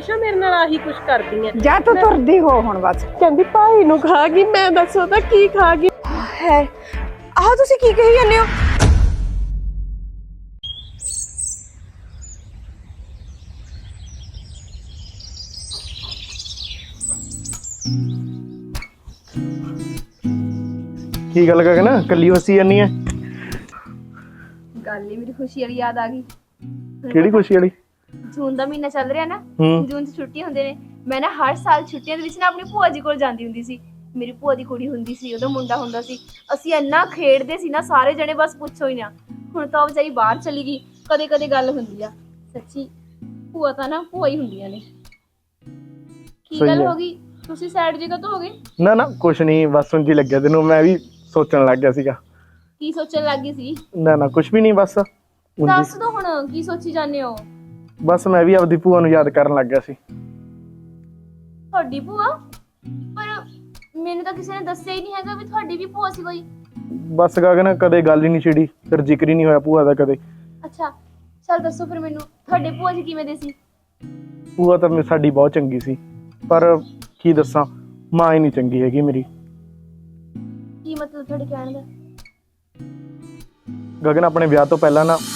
ਹਮੇਸ਼ਾ ਮੇਰੇ ਨਾਲ ਆਹੀ ਕੁਛ ਕਰਦੀ ਐ। ਜਾ ਤੂੰ ਤੁਰਦੀ ਹੋ ਹੁਣ ਬਸ। ਕਹਿੰਦੀ ਭਾਈ ਨੂੰ ਖਾ ਗਈ, ਮੈਂ ਦੱਸੋ ਤਾਂ ਕੀ ਖਾ ਗਈ ਹੈ। ਆਹ ਤੁਸੀਂ ਕੀ ਕਹੀ ਜਾਂਦੇ ਹੋ? ਕੀ ਗੱਲ ਕਰ ਨਾ ਕੱਲੀ ਹੱਸੀ ਜਾਨੀ ਐ? ਗੱਲ ਹੀ ਮੇਰੀ ਖੁਸ਼ੀ ਵਾਲੀ ਯਾਦ ਆ ਗਈ। ਕਿਹੜੀ ਖੁਸ਼ੀ ਵਾਲੀ? ਜੂਨ ਦਾ ਮਹੀਨਾ ਚੱਲ ਰਿਹਾ ਨਾ, ਜੂਨ 'ਚ ਛੁੱਟੀਆਂ ਹੁੰਦੇ ਨੇ। ਮੈਂ ਨਾ ਹਰ ਸਾਲ ਛੁੱਟੀਆਂ ਦੇ ਵਿੱਚ ਨਾ ਆਪਣੀ ਭੂਆ ਜੀ ਕੋਲ ਜਾਂਦੀ ਹੁੰਦੀ ਸੀ। ਮੇਰੀ ਭੂਆ ਦੀ ਕੁੜੀ ਹੁੰਦੀ ਸੀ, ਉਹਦਾ ਮੁੰਡਾ ਹੁੰਦਾ ਸੀ। ਅਸੀਂ ਇੰਨਾ ਖੇਡਦੇ ਸੀ ਨਾ ਸਾਰੇ ਜਣੇ, ਬਸ ਪੁੱਛੋ ਹੀ ਨਾ। ਹੁਣ ਤਾਂ ਉਹ ਵਿਚਾਰੀ ਬਾਹਰ ਚਲੀ ਗਈ, ਕਦੇ ਕਦੇ ਗੱਲ ਹੁੰਦੀ ਆ। ਸੱਚੀ ਭੂਆ ਤਾਂ ਨਾ ਭੂਆ ਹੀ ਹੁੰਦੀਆਂ ਨੇ। ਕੀ ਗੱਲ ਹੋ ਗਈ, ਤੁਸੀਂ ਸਾਈਡ ਜਗ੍ਹਾ ਤੋਂ ਹੋ ਗਏ? ਨਾ ਕੁਛ ਨਹੀਂ, ਬਸ ਉਂਝ ਹੀ ਲੱਗਿਆ ਤੈਨੂੰ। ਮੈਂ ਵੀ ਸੋਚਣ ਲੱਗ ਗਿਆ ਸੀਗਾ। ਕੀ ਸੋਚਣ ਲੱਗ ਗਈ ਸੀ? ਨਾ ਕੁਛ ਵੀ ਨਹੀਂ, ਬਸ ਦੱਸ ਦੋ ਹੁਣ ਕੀ ਸੋਚੀ ਜਾਂਦੇ ਹੋ? ਬਸ ਮੈਂ ਵੀ ਆਪਦੀ ਭੂਆ ਨੂੰ ਯਾਦ ਕਰਨ ਲੱਗ ਗਿਆ ਸੀ। ਤੁਹਾਡੀ ਭੂਆ? ਪਰ ਮੈਨੂੰ ਤਾਂ ਕਿਸੇ ਨੇ ਦੱਸਿਆ ਹੀ ਨਹੀਂ ਹੈਗਾ ਵੀ ਤੁਹਾਡੀ ਵੀ ਭੂਆ ਸੀ ਕੋਈ। ਬਸ ਗਗਨ ਕਦੇ ਗੱਲ ਹੀ ਨਹੀਂ ਛਿੜੀ, ਫਿਰ ਜ਼ਿਕਰ ਹੀ ਨਹੀਂ ਹੋਇਆ ਭੂਆ ਦਾ ਕਦੇ। ਅੱਛਾ ਚਲ ਦੱਸੋ ਫਿਰ ਮੈਨੂੰ, ਤੁਹਾਡੇ ਭੂਆ ਜੀ ਕਿਵੇਂ ਦੇ ਸੀ? ਭੂਆ ਤਾਂ ਸਾਡੀ ਬਹੁਤ ਚੰਗੀ ਸੀ, ਪਰ ਕੀ ਦੱਸਾਂ, ਮਾਂ ਹੀ ਨਹੀਂ ਚੰਗੀ ਹੈਗੀ ਮੇਰੀ। ਕੀ ਮਤਲਬ ਤੁਹਾਡੇ ਕਹਿਣ ਦਾ? ਗਗਨ ਆਪਣੇ ਵਿਆਹ ਤੋਂ ਪਹਿਲਾਂ ਨਾ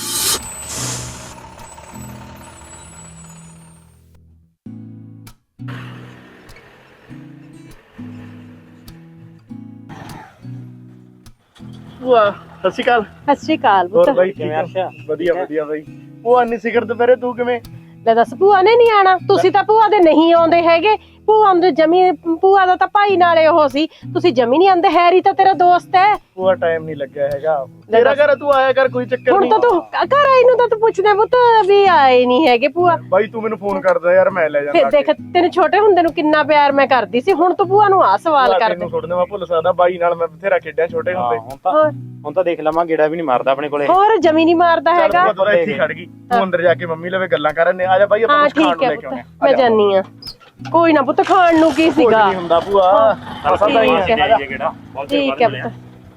ਭੂਆ ਸਤਿ ਸ਼੍ਰੀ ਅਕਾਲ। ਸਤਿ ਸ਼੍ਰੀ ਅਕਾਲ ਹੋਰ ਪੁੱਤ। ਬਾਈ ਕਿਵੇਂ ਆ? ਵਧੀਆ ਬਾਈ। ਭੂਆ ਨਹੀਂ ਸਿਖਰ ਦੁਪਹਿਰੇ ਤੂੰ ਕਿਵੇਂ? ਲੈ ਦੱਸ, ਭੂਆ ਨੇ ਨਹੀਂ ਆਣਾ? ਤੁਸੀਂ ਤਾਂ ਭੂਆ ਦੇ ਨਹੀਂ ਆਉਂਦੇ ਹੈਗੇ। ਭੂਆ ਦੇ ਜਮੀ, ਭੂਆ ਦਾ ਤਾਂ ਭਾਈ ਨਾਲੇ ਉਹ ਸੀ, ਤੁਸੀਂ ਜਮੀ ਨਹੀਂ ਆਉਂਦੇ। ਹੈਰੀ ਤਾਂ ਤੇਰਾ ਦੋਸਤ ਹੈ। ਭੂਆ ਟਾਈਮ ਨਹੀਂ ਲੱਗਿਆ ਹੈਗਾ ਤੇਰਾ। ਘਰ ਤੂੰ ਆਇਆ ਕਰ, ਕੋਈ ਚੱਕਰ ਹੁਣ ਨਹੀਂ। ਤਾਂ ਤੂੰ ਘਰ ਆਈ ਨੂੰ ਤਾਂ ਤੂੰ ਪੁੱਛਦੇ ਪੁੱਤ ਵੀ ਆਏ ਨਹੀਂ ਹੈਗੇ ਭੂਆ। ਬਾਈ ਤੂੰ ਮੈਨੂੰ ਫੋਨ ਕਰਦਾ ਯਾਰ, ਮੈਂ ਲੈ ਜਾਂਦਾ। ਫਿਰ ਦੇਖ ਤੈਨੂੰ ਛੋਟੇ ਹੁੰਦੇ ਨੂੰ ਕਿੰਨਾ ਪਿਆਰ ਮੈਂ ਕਰਦੀ ਸੀ, ਹੁਣ ਤੂੰ ਭੂਆ ਨੂੰ ਆ ਸਵਾਲ ਕਰਦੇ। ਤੈਨੂੰ ਥੋੜਾ ਮੈਂ ਭੁੱਲ ਸਕਦਾ, ਬਾਈ ਨਾਲ ਮੈਂ ਬਥੇਰਾ ਖੇਡਿਆ ਛੋਟੇ ਹੁੰਦੇ। ਹੁਣ ਤਾਂ ਦੇਖ ਲਵਾਂ, ਗੇੜਾ ਵੀ ਨਹੀਂ ਮਾਰਦਾ ਆਪਣੇ ਕੋਲੇ। ਹੋਰ ਜਮੀ ਨਹੀਂ ਮਾਰਦਾ ਹੈਗਾ। ਤੂੰ ਇੱਥੇ ਖੜ ਗਈ, ਤੂੰ ਅੰਦਰ ਜਾ ਕੇ ਮੰਮੀ ਲਵੇ ਗੱਲਾਂ ਕਰਨੇ। ਆ ਜਾ ਬਾਈ ਆਪਾਂ ਕੁਝ ਖਾਣ ਨੂੰ ਲੈ ਕੇ ਆਉਣੇ ਆ। ਮੈਂ ਜਾਨੀ ਆ। ਕੋਈ ਨਾ ਪੁੱਤ, ਖਾਣ ਨੂੰ ਕੀ ਸੀਗਾ? ਨਹੀਂ ਹੁੰਦਾ ਭੂਆ, ਠੀਕ ਹੈ ਗੇੜਾ ਠੀਕ ਹੈ ਪੁੱਤ।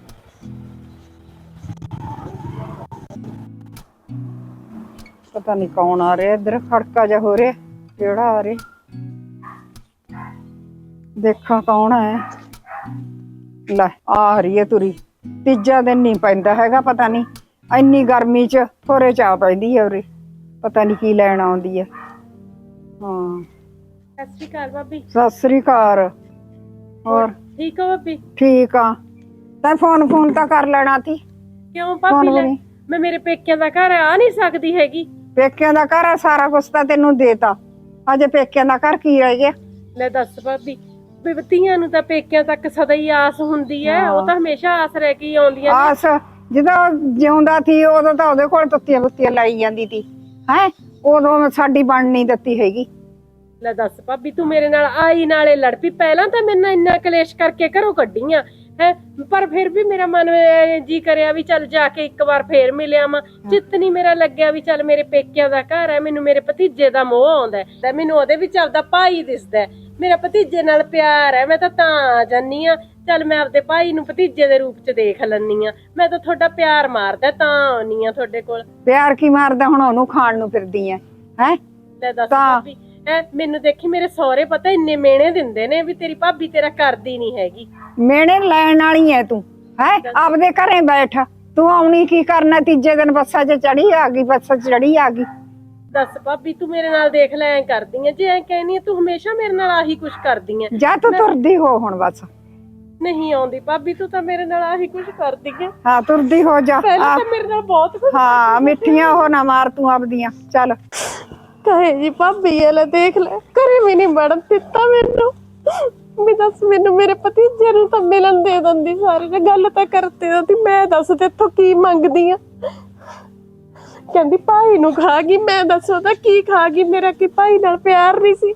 ਪਤਾ ਨਹੀਂ ਕੌਣ ਆ ਰਿਹਾ ਇੱਧਰ, ਖੜਕਾ ਜਿਹਾ ਹੋ ਰਿਹਾ। ਕਿਹੜਾ ਆ ਰਿਹਾ? ਦੇਖਾਂ ਕੌਣ ਹੈ। ਲੈ ਆ ਰਹੀ ਹੈ ਤੁਰੀ। ਤੀਜਾ ਦਿਨ ਨਹੀਂ ਪੈਂਦਾ ਹੈਗਾ, ਪਤਾ ਨਹੀਂ ਇੰਨੀ ਗਰਮੀ 'ਚ ਥੋੜੇ ਚਾਹ ਪੈਂਦੀ ਹੈ ਉਰੇ। ਪਤਾ ਨਹੀਂ ਕੀ ਲੈਣ ਆਉਂਦੀ ਹੈ। ਹਾਂ ਸਤਿ ਸ਼੍ਰੀ ਅਕਾਲ ਭਾਬੀ। ਸਤਿ ਸ੍ਰੀ ਅਕਾਲ। ਹੋਰ ਠੀਕ ਹੋ ਭਾਬੀ? ਠੀਕ ਆ। ਤੈਂ ਫੋਨ ਤਾਂ ਕਰ ਲੈਣਾ ਸੀ। ਕਿਉਂ ਭਾਬੀ? ਮੈਂ ਮੇਰੇ ਪੇਕਿਆਂ ਦਾ ਘਰ ਆ ਨਹੀਂ ਸਕਦੀ ਹੈਗੀ? ਪੇਕਿਆਂ ਦਾ ਘਰ ਆ, ਸਾਰਾ ਕੁਛ ਤਾਂ ਤੈਨੂੰ ਦੇਤਾ। ਅਜੇ ਪੇਕਿਆਂ ਦਾ ਘਰ ਕੀ ਰਹਿ ਗਿਆ? ਲੈ ਦੱਸ ਭਾਬੀ, ਧੀਆਂ ਨੂੰ ਤਾਂ ਪੇਕਿਆਂ ਤੱਕ ਸਦਾ ਹੀ ਆਸ ਹੁੰਦੀ ਹੈ। ਉਹ ਤਾਂ ਹਮੇਸ਼ਾ ਆਸ ਰਹਿ ਕੇ ਆਉਂਦੀਆਂ ਨੇ। ਆਸ ਜਦੋਂ ਜਿਉਂਦਾ ਸੀ ਉਦੋਂ ਤਾਂ ਉਹਦੇ ਕੋਲ ਤੁੱਤੀਆਂ ਲਾਈ ਜਾਂਦੀ ਸੀ। ਹੈ ਉਦੋਂ ਸਾਡੀ ਬਣ ਨਹੀਂ ਦਿੱਤੀ ਹੈਗੀ। ਲੈ ਦੱਸ ਭਾਬੀ, ਤੂੰ ਮੇਰੇ ਨਾਲ ਆਈ ਨਾਲੇ ਲੜ ਪਈ। ਪਹਿਲਾਂ ਤਾਂ ਮੇਰੇ ਨਾਲ ਇੰਨਾ ਕਲੇਸ਼ ਕਰਕੇ ਘਰੋਂ ਕੱਢੀਆਂ ਹੈ, ਪਰ ਫਿਰ ਵੀ ਮੇਰਾ ਮਨ ਜੀ ਕਰਿਆ ਵੀ ਚੱਲ ਜਾ ਕੇ ਇੱਕ ਵਾਰ ਫੇਰ ਮਿਲਿਆ ਵਾ। ਚਿੱਤ ਨੀ ਮੇਰਾ ਲੱਗਿਆ ਵੀ ਚੱਲ ਮੇਰੇ ਪੇਕਿਆਂ ਦਾ ਘਰ ਹੈ। ਮੈਨੂੰ ਮੇਰੇ ਭਤੀਜੇ ਦਾ ਮੋਹ ਆਉਂਦਾ ਹੈ, ਮੈਨੂੰ ਉਹਦੇ ਵਿੱਚ ਆਪਦਾ ਭਾਈ ਦਿਸਦਾ। ਮੇਰਾ ਭਤੀਜੇ ਨਾਲ ਪਿਆਰ ਹੈ, ਮੈਂ ਤਾਂ ਆ ਜਾਨੀ ਆ। ਚੱਲ ਮੈਂ ਆਪਦੇ ਭਾਈ ਨੂੰ ਭਤੀਜੇ ਦੇ ਰੂਪ ਚ ਦੇਖ ਲੈਨੀ ਆ। ਮੈਂ ਤਾਂ ਤੁਹਾਡਾ ਪਿਆਰ ਮਾਰਦਾ ਤਾਂ ਆਉਣੀ ਆ ਤੁਹਾਡੇ ਕੋਲ। ਪਿਆਰ ਕੀ ਮਾਰਦਾ? ਹੁਣ ਉਹਨੂੰ ਖਾਣ ਨੂੰ ਫਿਰਦੀ ਐ ਹੈ। ਲੈ ਦੱਸ ਭਾਬੀ, ਮੈਨੂੰ ਦੇਖੀ ਮੇਰੇ ਸਹੁਰੇ ਪਤਾ ਇੰਨੇ ਮਿਹਣੇ ਦਿੰਦੇ ਨੇ ਵੀ ਤੇਰੀ ਭਾਬੀ ਤੇਰਾ ਕਰਦੀ ਨੀ ਹੈਗੀ। ਮਿਹਣੇ ਲੈਣ ਵਾਲੀ ਐ ਤੂੰ ਹੈ। ਆਪਦੇ ਘਰੇ ਬੈਠ। ਤੂੰ ਆਉਣੀ ਕੀ ਕਰਨਾ? ਤੀਜੇ ਦਿਨ ਬੱਸਾਂ 'ਚ ਚੜੀ ਆ ਗਈ, ਬੱਸਾਂ 'ਚ ਚੜੀ ਆ ਗਈ। ਦੱਸ ਭਾਬੀ, ਤੂੰ ਮੇਰੇ ਨਾਲ ਦੇਖ ਲੈ ਐ ਕਰਦੀ ਐ। ਜੇ ਐ ਕਹਿਨੀ ਐ ਤੂੰ ਹਮੇਸ਼ਾ ਮੇਰੇ ਨਾਲ ਆਹੀ ਕੁਛ ਕਰਦੀ ਐ। ਜਾ ਤੂੰ ਤੁਰਦੀ ਹੋ ਹੁਣ ਬਸ। ਨਹੀਂ ਆਉਂਦੀ ਭਾਬੀ, ਤੂੰ ਤਾਂ ਮੇਰੇ ਨਾਲ ਆਹੀ ਕੁਛ ਕਰਦੀ ਐ। ਹਾਂ ਤੁਰਦੀ ਹੋ ਜਾ। ਪਹਿਲਾਂ ਤਾਂ ਮੇਰੇ ਨਾਲ ਬਹੁਤ ਕੁਛ। ਹਾਂ ਮਿੱਠੀਆਂ ਉਹ ਨਾ ਮਾਰ ਤੂੰ ਆਪਦੀਆਂ। ਚੱਲ ਕਹੇ ਜੀ ਭਾਬੀ ਇਹ ਲੈ ਦੇਖ ਲੈ, ਘਰੇ ਵੀ ਨਹੀਂ ਵੜਨ ਦਿੱਤਾ ਮੈਨੂੰ। ਵੀ ਦੱਸ, ਮੈਨੂੰ ਮੇਰੇ ਭਤੀਜੇ ਨੂੰ ਤਾਂ ਮਿਲਣ ਦੇ ਦਿੰਦੀ, ਸਾਰੇ ਨੇ ਗੱਲ ਤਾਂ ਕਰਤੇ ਦਿੰਦੀ। ਮੈਂ ਦੱਸ ਤੇਥੋਂ ਕੀ ਮੰਗਦੀ ਆ? ਕਹਿੰਦੀ ਭਾਈ ਨੂੰ ਖਾ ਗਈ। ਮੈਂ ਦੱਸੋ ਤਾਂ ਕੀ ਖਾ ਗਈ? ਮੇਰਾ ਕੀ ਭਾਈ ਨਾਲ ਪਿਆਰ ਨਹੀਂ ਸੀ?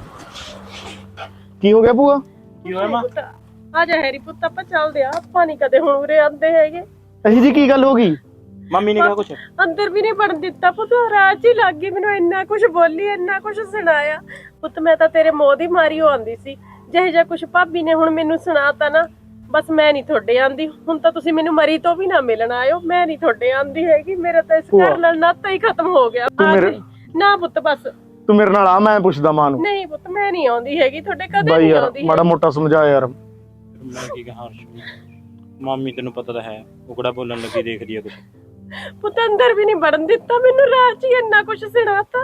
ਕੀ ਹੋ ਗਿਆ ਭੂਆ? ਕੀ ਹੋਇਆ ਮਾਂ? ਆ ਜਾ ਹੈਰੀ ਪੁੱਤ, ਆਪਾਂ ਚੱਲਦੇ ਆ। ਆਪਾਂ ਨੀ ਕਦੇ ਹੁਣ ਉਰੇ ਆਂਦੇ ਹੈਗੇ। ਅਹੀ ਜੀ ਕੀ ਗੱਲ ਹੋ ਗਈ? ਮੰਮੀ ਨੇ ਕਿਹਾ ਕੁਛ? ਅੰਦਰ ਵੀ ਨਹੀਂ ਵੜਨ ਦਿੱਤਾ ਪੁੱਤ। ਰਾਤ ਹੀ ਲੱਗ ਗਈ ਮੈਨੂੰ, ਇੰਨਾ ਕੁਛ ਬੋਲੀ, ਇੰਨਾ ਕੁਛ ਸੁਣਾਇਆ। ਪੁੱਤ ਮੈਂ ਤਾਂ ਤੇਰੇ ਮੋਹ ਦੀ ਮਾਰੀ ਹੋ ਆਂਦੀ ਸੀ। ਜਿਹੇ ਜਿਹਾ ਕੁਛ ਭਾਬੀ ਨੇ ਹੁਣ ਮੈਨੂੰ ਸੁਣਾਤਾ ਨਾ, ਬਸ ਮੈਂ ਨਹੀਂ ਤੁਹਾਡੇ ਆਂਦੀ। ਹੁਣ ਤਾਂ ਤੁਸੀਂ ਮੈਨੂੰ ਮਰੀ ਤੋਂ ਵੀ ਨਾ ਮਿਲਣ ਆਇਓ। ਮੈਂ ਨਹੀਂ ਤੁਹਾਡੇ ਆਂਦੀ ਹੈਗੀ। ਮੇਰਾ ਤਾਂ ਇਸ ਘਰ ਨਾਲ ਨਾਤਾ ਹੀ ਖਤਮ ਹੋ ਗਿਆ। ਨਾ ਪੁੱਤ ਬਸ, ਤੂੰ ਮੇਰੇ ਨਾਲ ਆ, ਮੈਂ ਪੁੱਛਦਾ ਮਾਂ ਨੂੰ। ਨਹੀਂ ਪੁੱਤ ਮੈਂ ਨਹੀਂ ਆਉਂਦੀ ਹੈਗੀ ਤੁਹਾਡੇ, ਕਦੇ ਬਾਈ ਨਹੀਂ ਯਾਰ ਆਉਂਦੀ ਮਾੜਾ ਮੋਟਾ ਸਮਝਾ ਯਾਰ। ਮੈਂ ਕੀ ਕਹਾਂ ਹਰਸ਼, ਮਾਮੀ ਤੈਨੂੰ ਪਤਾ ਤਾਂ ਹੈ, ਉਹ ਕਿਹੜਾ ਬੋਲਣ ਲੱਗੀ ਦੇਖਦੀ ਆ ਕੁਛ। ਪੁੱਤ ਅੰਦਰ ਵੀ ਨਹੀਂ ਵੜਨ ਦਿੱਤਾ ਮੈਨੂੰ, ਰਾਤ 'ਚ ਹੀ ਇੰਨਾ ਕੁਝ ਸੁਣਾਤਾ।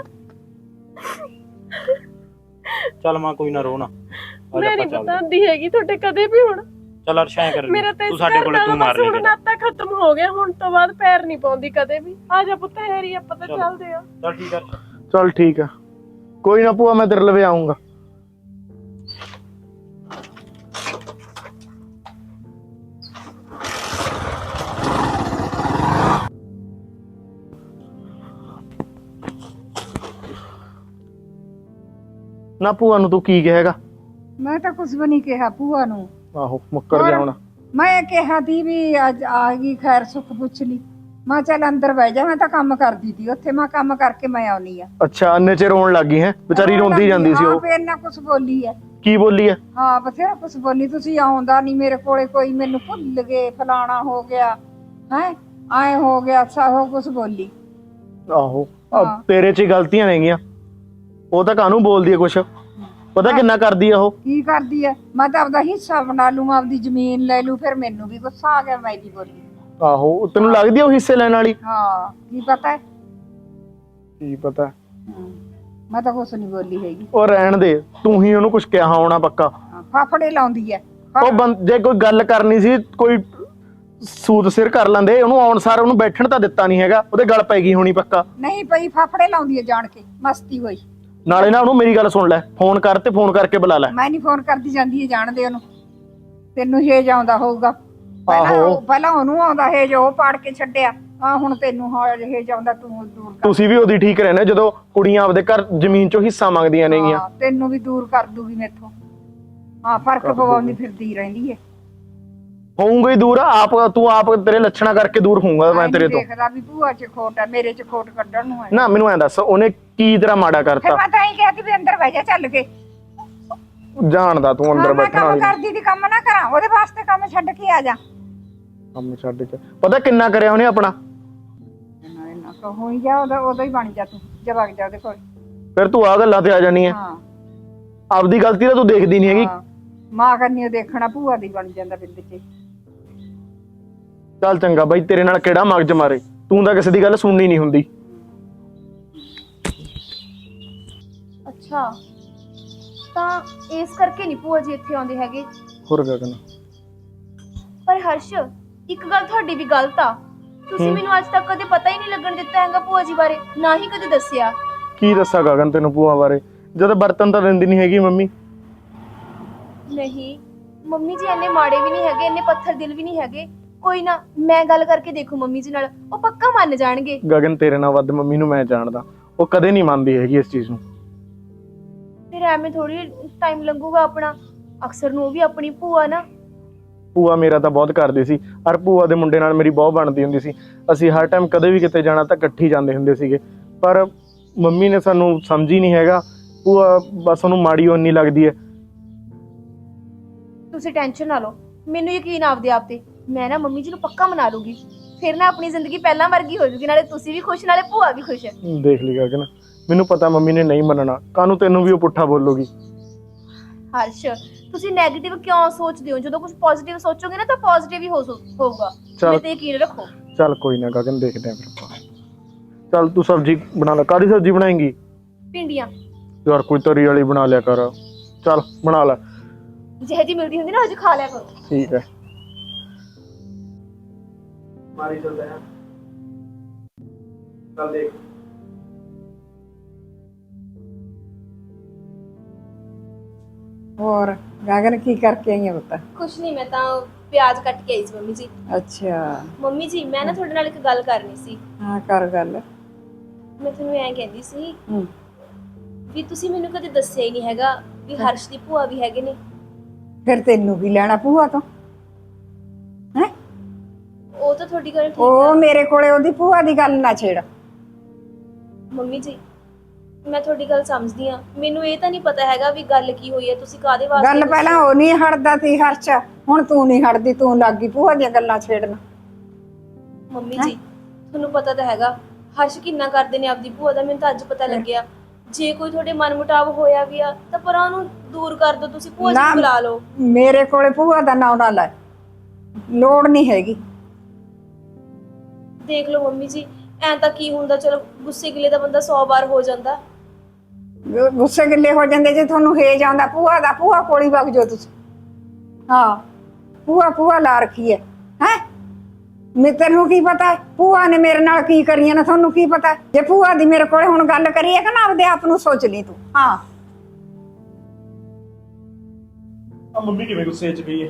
ਚੱਲ ਮਾਂ ਕੋਈ ਨਾ ਰੋ ਨਾ, ਮੈਂ ਨਹੀਂ ਪਤਾਂਦੀ ਹੈਗੀ ਤੁਹਾਡੇ ਕਦੇ ਵੀ ਹੁਣ। ਚੱਲ ਹਰਸ਼ ਐਂ ਕਰ, ਮੇਰਾ ਤਾਂ ਤੂੰ ਸਾਡੇ ਕੋਲੇ ਤੂੰ ਮਾਰ ਹੁਣ ਲੈ। ਨਾਤਾ ਖਤਮ ਹੋ ਗਿਆ, ਹੁਣ ਤੋਂ ਬਾਅਦ ਪੈਰ ਨਹੀਂ ਪਾਉਂਦੀ ਕਦੇ ਵੀ। ਆ ਜਾ ਪੁੱਤ ਹੈਰੀ, ਆਪਾਂ ਤਾਂ ਚੱਲਦੇ ਆ। ਚੱਲ ਠੀਕ ਆ। ਚੱਲ ਠੀਕ ਆ, ਕੋਈ ਨਾ ਭੂਆ, ਮੈਂ ਤੇਰੇ ਲਵੇ ਆਉਂਗਾ। ਨਾ ਭੂਆ ਨੂੰ ਤੂੰ ਕੀ ਕਹੇਗਾ? ਮੈਂ ਤਾਂ ਕੁਝ ਵੀ ਨਹੀਂ ਕਿਹਾ ਭੂਆ ਨੂੰ। ਆਹੋ ਮੁੱਕਰ ਗਿਆ ਹੁਣ। ਮੈਂ ਕਿਹਾ ਤੀ ਵੀ ਅੱਜ ਆ ਗਈ, ਖੈਰ ਸੁੱਖ ਪੁੱਛ ਲਈ। ਮੈਂ ਚੱਲ ਅੰਦਰ ਬਹਿ ਜਾ, ਮੈਂ ਤਾਂ ਕੰਮ ਕਰਦੀ ਤੀ ਉੱਥੇ, ਮੈਂ ਕੰਮ ਕਰਕੇ ਮੈਂ ਆਉਣੀ ਆ। ਅੱਛਾ, ਅੰਨੇ ਚ ਰੋਣ ਲੱਗ ਗਈ ਹੈ ਵਿਚਾਰੀ, ਰੋਂਦੀ ਜਾਂਦੀ ਸੀ ਉਹ। ਹਾਂ ਫੇਰ ਨਾ ਕੁਝ ਬੋਲੀ ਹੈ। ਕੀ ਬੋਲੀ ਹੈ? ਹਾਂ ਬਥੇਰਾ ਕੁਝ ਬੋਲੀ, ਤੁਸੀਂ ਆਉਂਦਾ ਨਹੀਂ ਮੇਰੇ ਕੋਲੇ, ਕੋਈ ਮੈਨੂੰ ਭੁੱਲ ਗਏ, ਫਲਾਣਾ ਹੋ ਗਿਆ ਹੈ, ਆਏ ਹੋ ਗਿਆ, ਸਾਹੋ ਕੁਝ ਬੋਲੀ। ਆਹੋ ਤੇਰੇ ਚ ਹੀ ਗਲਤੀਆਂ ਨੇਗੀਆਂ, ਉਹ ਤਾਂ ਕਾਹਨੂੰ ਬੋਲਦੀ ਹੈ ਕੁਛ, ਪਤਾ ਕਿੰਨਾ ਕਰਦੀ ਆ ਉਹ। ਕੀ ਕਰਦੀ ਹੈ? ਮੈਂ ਤਾਂ ਆਪਦਾ ਹਿੱਸਾ ਬਣਾ ਲੂੰ, ਆਪਦੀ ਜ਼ਮੀਨ ਲੈ ਲੂੰ, ਫਿਰ ਮੈਨੂੰ ਵੀ ਗੁੱਸਾ ਆ ਗਿਆ, ਮੈਂ ਦੀ ਬੋਲੀ। ਆਹੋ ਤੈਨੂੰ ਲੱਗਦੀ ਆ ਉਹ ਹਿੱਸੇ ਲੈਣ ਵਾਲੀ? ਹਾਂ ਕੀ ਪਤਾ ਹੈ, ਕੀ ਪਤਾ। ਮੈਂ ਤਾਂ ਕੁਛ ਨਹੀਂ ਬੋਲੀ ਹੈਗੀ। ਉਹ ਰਹਿਣ ਦੇ, ਤੂੰ ਹੀ ਉਹਨੂੰ ਕੁਛ ਕਿਹਾ ਹੋਣਾ ਪੱਕਾ। ਫਾਫੜੇ ਲਾਉਂਦੀ ਹੈ। ਉਹ ਜੇ ਕੋਈ ਗੱਲ ਕਰਨੀ ਸੀ, ਕੋਈ ਸੂਤ ਸਿਰ ਕਰ ਲੈਂਦੇ ਉਹਨੂੰ, ਆਉਣ ਸਾਰ ਉਹਨੂੰ ਬੈਠਣ ਤਾਂ ਦਿੱਤਾ ਨਹੀਂ ਹੈਗਾ, ਉਹਦੇ ਗੱਲ ਪੈ ਗਈ ਹੋਣੀ ਪੱਕਾ। ਨਹੀਂ ਪਈ, ਫਾਫੜੇ ਲਾਉਂਦੀ ਹੈ ਜਾਣ ਕੇ, ਮਸਤੀ ਹੋਈ। ਨਾਲੇ ਨਾ ਉਹਨੂੰ ਮੇਰੀ ਗੱਲ ਸੁਣ ਲੈ, ਫੋਨ ਕਰ ਤੇ ਫੋਨ ਕਰਕੇ ਬੁਲਾ ਲੈ। ਮੈਂ ਨਹੀਂ ਫੋਨ ਕਰਦੀ ਜਾਂਦੀ ਹੈ, ਜਾਣਦੇ ਉਹਨੂੰ। ਤੈਨੂੰ ਹੇਜ ਆਉਂਦਾ ਹੋਊਗਾ, ਆਹੋ ਪਹਿਲਾਂ ਉਹਨੂੰ ਆਉਂਦਾ ਹੇਜ, ਉਹ ਪਾੜ ਕੇ ਛੱਡਿਆ। ਆ ਹੁਣ ਤੈਨੂੰ ਹੇਜ ਆਉਂਦਾ, ਤੂੰ ਦੂਰ ਕਰ। ਤੁਸੀਂ ਵੀ ਉਹਦੀ ਠੀਕ ਰਹਿਣਾ, ਜਦੋਂ ਕੁੜੀਆਂ ਆਪਦੇ ਘਰ ਜ਼ਮੀਨ ਚੋਂ ਹਿੱਸਾ ਮੰਗਦੀਆਂ ਨੇਗੀਆਂ। ਹਾਂ, ਤੈਨੂੰ ਵੀ ਦੂਰ ਕਰ ਦੂਗੀ ਮੈਥੋਂ। ਹਾਂ ਫਰਕ ਪਵਾਉਂਦੀ ਫਿਰਦੀ ਰਹਿੰਦੀ ਹੈ। ਹੋਊਗਾ ਹੀ ਦੂਰ, ਆਪ ਤੂੰ ਆਪ ਤੇਰੇ ਲੱਛਣਾ ਕਰਕੇ ਦੂਰ ਹੋਊਗਾ ਮੈਂ ਤੇਰੇ ਤੋਂ। ਦੇਖਦਾ ਵੀ ਭੂਆ ਚ ਖੋਟ ਹੈ, ਮੇਰੇ ਚ ਖੋਟ ਕੱਢਣ ਨੂੰ ਹੈ ਨਾ। ਮੈਨੂੰ ਐਂ ਦੱਸ, ਉਹਨੇ ਕੀ ਤੇਰਾ ਮਾੜਾ ਫਿਰ ਕਰਤਾ? ਮੈਂ ਤਾਂ ਹੀ ਕਹਿਤੀ ਵੀ ਅੰਦਰ ਬਹਿ ਜਾ ਚੱਲ ਕੇ। ਜਾਣਦਾ ਤੂੰ ਅੰਦਰ ਮੈਂ ਬੈਠਣ ਕੰਮ ਵਾਲੀ। ਕਰਦੀ ਦੀ ਕੰਮ ਨਾ ਕਰਾਂ, ਉਹਦੇ ਵਾਸਤੇ ਕੰਮ ਛੱਡ ਕੇ ਆ ਜਾ। ਕੰਮ ਛੱਡ ਕੇ ਪਤਾ ਕਿੰਨਾ ਕਰਿਆ ਉਹਨੇ ਆਪਣਾ। ਨਾ ਕੋ ਹੋਈ ਜਾ, ਉਹਦਾ ਹੀ ਬਣ ਜਾ, ਤੂੰ ਜਾ ਵਗ ਜਾ ਉਹਦੇ ਕੋਲ। ਫਿਰ ਤੂੰ ਆ ਗੱਲਾਂ ਤੇ ਆ ਜਾਣੀ ਹੈ। ਹਾਂ ਆਪਦੀ ਗਲਤੀ ਤਾਂ ਤੂੰ ਦੇਖਦੀ ਨਹੀਂ ਹੈਗੀ। ਹਾਂ, ਮਾਂ ਕਰਨੀ ਦੇਖਣਾ, ਭੂਆ ਦੀ ਬਣ ਜਾਂਦਾ ਬਿੰਦ ਚ। ਚੱਲ ਚੰਗਾ ਬਾਈ, ਤੇਰੇ ਨਾਲ ਕਿਹੜਾ ਮਗਜ ਮਾਰੇ, ਤੂੰ ਤਾਂ ਕਿਸੇ ਦੀ ਗੱਲ ਸੁਣਨੀ ਨਹੀਂ ਹੁੰਦੀ। ਅੱਛਾ, ਤਾਂ ਇਸ ਕਰਕੇ ਨਹੀਂ ਭੂਆ ਜੀ ਇੱਥੇ ਆਉਂਦੇ ਹੈਗੇ। ਹੋਰ ਗਗਨ, ਪਰ ਹਰਸ਼, ਇੱਕ ਗੱਲ ਤੁਹਾਡੀ ਵੀ ਗਲਤ ਆ। ਤੁਸੀਂ ਮੈਨੂੰ ਅੱਜ ਤੱਕ ਕਦੇ ਪਤਾ ਹੀ ਨਹੀਂ ਲੱਗਣ ਦਿੱਤਾ ਹੈਗਾ ਭੂਆ ਜੀ ਬਾਰੇ, ਨਾ ਹੀ ਕਦੇ ਦੱਸਿਆ। ਕੀ ਦੱਸਾਂ ਗਗਨ ਤੈਨੂੰ ਭੂਆ ਬਾਰੇ, ਜਦੋਂ ਬਰਤਨ ਤਾਂ ਦਿੰਦੀ ਨਹੀਂ ਹੈਗੀ ਮੰਮੀ। ਨਹੀਂ ਮੰਮੀ ਜੀ ਇੰਨੇ ਮਾੜੇ ਵੀ ਨਹੀਂ ਹੈਗੇ, ਇੰਨੇ ਪੱਥਰ ਦਿਲ ਵੀ ਨਹੀਂ ਹੈਗੇ। ਕੋਈ ਨਾ, ਮੈਂ ਗੱਲ ਕਰਕੇ ਦੇਖੂ ਮੰਮੀ ਜੀ ਨਾਲ, ਉਹ ਪੱਕਾ ਮੰਨ ਜਾਣਗੇ। ਗਗਨ ਤੇਰੇ ਨਾਲ ਵੱਧ ਮੰਮੀ ਨੂੰ ਮੈਂ ਜਾਣਦਾ, ਉਹ ਕਦੇ ਨਹੀਂ ਮੰਨਦੀ ਹੈਗੀ ਇਸ ਚੀਜ਼ ਨੂੰ। ਫਿਰ ਐਵੇਂ ਥੋੜੀ ਟਾਈਮ ਲੰਘੂਗਾ ਆਪਣਾ, ਅਕਸਰ ਨੂੰ ਉਹ ਵੀ ਆਪਣੀ ਭੂਆ ਨਾ। ਭੂਆ ਮੇਰਾ ਤਾਂ ਬਹੁਤ ਕਰਦੀ ਸੀ, ਔਰ ਭੂਆ ਦੇ ਮੁੰਡੇ ਨਾਲ ਮੇਰੀ ਬਹੁਤ ਬਣਦੀ ਹੁੰਦੀ ਸੀ। ਅਸੀਂ ਹਰ ਟਾਈਮ ਕਦੇ ਵੀ ਕਿਤੇ ਜਾਣਾ ਤਾਂ ਇਕੱਠੀ ਜਾਂਦੇ ਹੁੰਦੇ ਸੀਗੇ, ਪਰ ਮੰਮੀ ਨੇ ਸਾਨੂੰ ਸਮਝੀ ਨਹੀਂ ਹੈਗਾ। ਭੂਆ ਬਸ ਉਹਨੂੰ ਮਾੜੀ ਓਨੀ ਲੱਗਦੀ ਹੈ। ਤੁਸੀਂ ਟੈਨਸ਼ਨ ਨਾ ਲਓ, ਮੈਨੂੰ ਯਕੀਨ ਆਪਦੇ ਆਪ ਤੇ, ਮੈਂ ਨਾ ਮੰਮੀ ਜੀ ਨੂੰ ਪੱਕਾ ਮਨਾ ਲੂਗੀ। ਫਿਰ ਨਾ ਆਪਣੀ ਜ਼ਿੰਦਗੀ ਪਹਿਲਾਂ ਵਰਗੀ ਹੋ ਜੂਗੀ, ਨਾਲੇ ਤੁਸੀਂ ਵੀ ਖੁਸ਼, ਨਾਲੇ ਭੂਆ ਵੀ ਖੁਸ਼। ਦੇਖ ਲਈ ਗਗਨ, ਮੈਨੂੰ ਪਤਾ ਮੰਮੀ ਨੇ ਨਹੀਂ ਮੰਨਣਾ, ਕਾਹਨੂੰ ਤੈਨੂੰ ਵੀ ਉਹ ਪੁੱਠਾ ਬੋਲੂਗੀ। ਹਰਸ਼, ਤੁਸੀਂ ਨੈਗੇਟਿਵ ਕਿਉਂ ਸੋਚਦੇ ਹੋ? ਜਦੋਂ ਕੁਝ ਪੋਜ਼ਿਟਿਵ ਸੋਚੋਗੇ ਨਾ ਤਾਂ ਪੋਜ਼ਿਟਿਵ ਹੀ ਹੋਊਗਾ। ਚੱਲ। ਤੇ ਯਕੀਨ ਰੱਖੋ। ਚੱਲ ਕੋਈ ਨਾ ਗਗਨ, ਦੇਖਦੇ ਆਂ ਫਿਰ ਆਪਾਂ। ਚੱਲ ਤੂੰ ਸਬਜ਼ੀ ਬਣਾ ਲੈ, ਕਾਹਦੀ ਸਬਜ਼ੀ ਬਣਾਏਂਗੀ? ਭਿੰਡੀਆਂ। ਯਾਰ ਕੋਈ ਤਰੀ ਵਾਲੀ ਬਣਾ ਲਿਆ ਕਰ। ਚੱਲ ਬਣਾ ਲੈ। ਜਿਹੇ ਜੀ ਮਿਲਦੀ ਹੁੰਦੀ ਨਾ ਅੱਜ ਖਾ ਲਿਆ ਕਰੋ। ਠੀਕ ਹੈ। ਮਾਰੀ ਚੱਲਦੇ ਹਾਂ। ਚੱਲ ਦੇਖ। ਹੋਰ ਗਗਨ ਕੀ ਕਰਕੇ ਆਈ ਹੈ ਪੁੱਤ? ਕੁਛ ਨਹੀਂ, ਮੈਂ ਤਾਂ ਪਿਆਜ਼ ਕੱਟ ਕੇ ਆਈ ਸੀ ਮੰਮੀ ਜੀ। ਅੱਛਾ ਮੰਮੀ ਜੀ, ਮੈਂ ਨਾ ਤੁਹਾਡੇ ਨਾਲ ਇੱਕ ਗੱਲ ਕਰਨੀ ਸੀ। ਹਾਂ ਕਰ ਗੱਲ। ਮੈਂ ਤੁਹਾਨੂੰ ਐਂ ਕਹਿੰਦੀ ਸੀ ਹੂੰ, ਵੀ ਤੁਸੀਂ ਮੈਨੂੰ ਕਦੇ ਦੱਸਿਆ ਹੀ ਨਹੀਂ ਹੈਗਾ ਵੀ ਹਰਸ਼ ਦੀ ਭੂਆ ਵੀ ਹੈਗੇ ਨੇ। ਫਿਰ ਤੈਨੂੰ ਕੀ ਲੈਣਾ ਭੂਆ ਤੋਂ? ਹੈ ਉਹ ਤਾਂ ਤੁਹਾਡੀ ਗੱਲ ਠੀਕ ਉਹ ਆ ਮੇਰੇ ਕੋਲੇ ਉਹਦੀ ਭੂਆ ਦੀ ਗੱਲ ਨਾ ਛੇੜ। ਮੰਮੀ ਜੀ, ਮੈਂ ਤੁਹਾਡੀ ਗੱਲ ਸਮਝਦੀ ਆ। ਮੈਨੂੰ ਇਹ ਤਾਂ ਨਹੀਂ ਪਤਾ ਹੈਗਾ ਵੀ ਗੱਲ ਕੀ ਹੋਈ ਹੈ, ਤੁਸੀਂ ਕਾਹਦੇ ਵਾਸਤੇ ਗੱਲ ਪਹਿਲਾਂ ਉਹ ਨਹੀਂ ਹਟਦਾ ਸੀ ਹਰਚ, ਹੁਣ ਤੂੰ ਨਹੀਂ ਹਟਦੀ, ਤੂੰ ਲੱਗ ਗਈ ਭੂਆ ਦੀਆਂ ਗੱਲਾਂ ਛੇੜਨ। ਮੰਮੀ ਜੀ, ਤੁਹਾਨੂੰ ਪਤਾ ਤਾਂ ਹੈਗਾ ਹਰਸ਼ ਕਿੰਨਾ ਕਰਦੇ ਨੇ ਆਪਦੀ ਭੂਆ ਦਾ, ਮੈਨੂੰ ਤਾਂ ਅੱਜ ਪਤਾ ਲੱਗਿਆ। ਜੇ ਕੋਈ ਤੁਹਾਡੇ ਮਨਮੁਟਾਵ ਹੋਇਆ ਵੀ ਆ ਤਾਂ ਪਰ ਉਹਨੂੰ ਦੂਰ ਕਰ ਦਿਓ, ਤੁਸੀਂ ਭੂਆ ਜੀ ਨਾ, ਨੂੰ ਬੁਲਾ ਲਓ। ਮੇਰੇ ਕੋਲੇ ਭੂਆ ਦਾ ਨਾਂ ਨਾ ਲੈ, ਲੋੜ ਨਹੀਂ ਹੈਗੀ। ਦੇਖ ਲਓ ਮੰਮੀ ਜੀ, ਐਂ ਤਾਂ ਕੀ ਹੁੰਦਾ, ਚਲੋ ਗੁੱਸੇ ਗਿਲੇ ਦਾ ਬੰਦਾ 100 ਵਾਰ ਹੋ ਜਾਂਦਾ। ਗੁੱਸੇ ਗਿੱਲੇ ਹੋ ਜਾਂਦੇ ਜੇ ਤੁਹਾਨੂੰ ਹੇਜ ਆਉਂਦਾ ਭੂਆ ਦਾ, ਭੂਆ ਕੋਲੀ ਵਗ ਜਾਓ ਤੁਸੀਂ। ਹਾਂ, ਭੂਆ ਲਾ ਰੱਖੀ ਹੈ ਮੈਂ, ਤੈਨੂੰ ਕੀ ਪਤਾ ਹੈ ਭੂਆ ਨੇ ਮੇਰੇ ਨਾਲ ਕੀ ਕਰੀਆਂ ਨਾ, ਤੁਹਾਨੂੰ ਕੀ ਪਤਾ? ਜੇ ਭੂਆ ਦੀ ਮੇਰੇ ਕੋਲੇ ਹੁਣ ਗੱਲ ਕਰੀਏ ਕਿ ਨਾ, ਆਪਦੇ ਆਪ ਨੂੰ ਸੋਚ ਲਈ ਤੂੰ। ਹਾਂ, ਆ ਮੰਮੀ ਕਿਵੇਂ ਗੁੱਸੇ 'ਚ ਗਈ ਹੈ?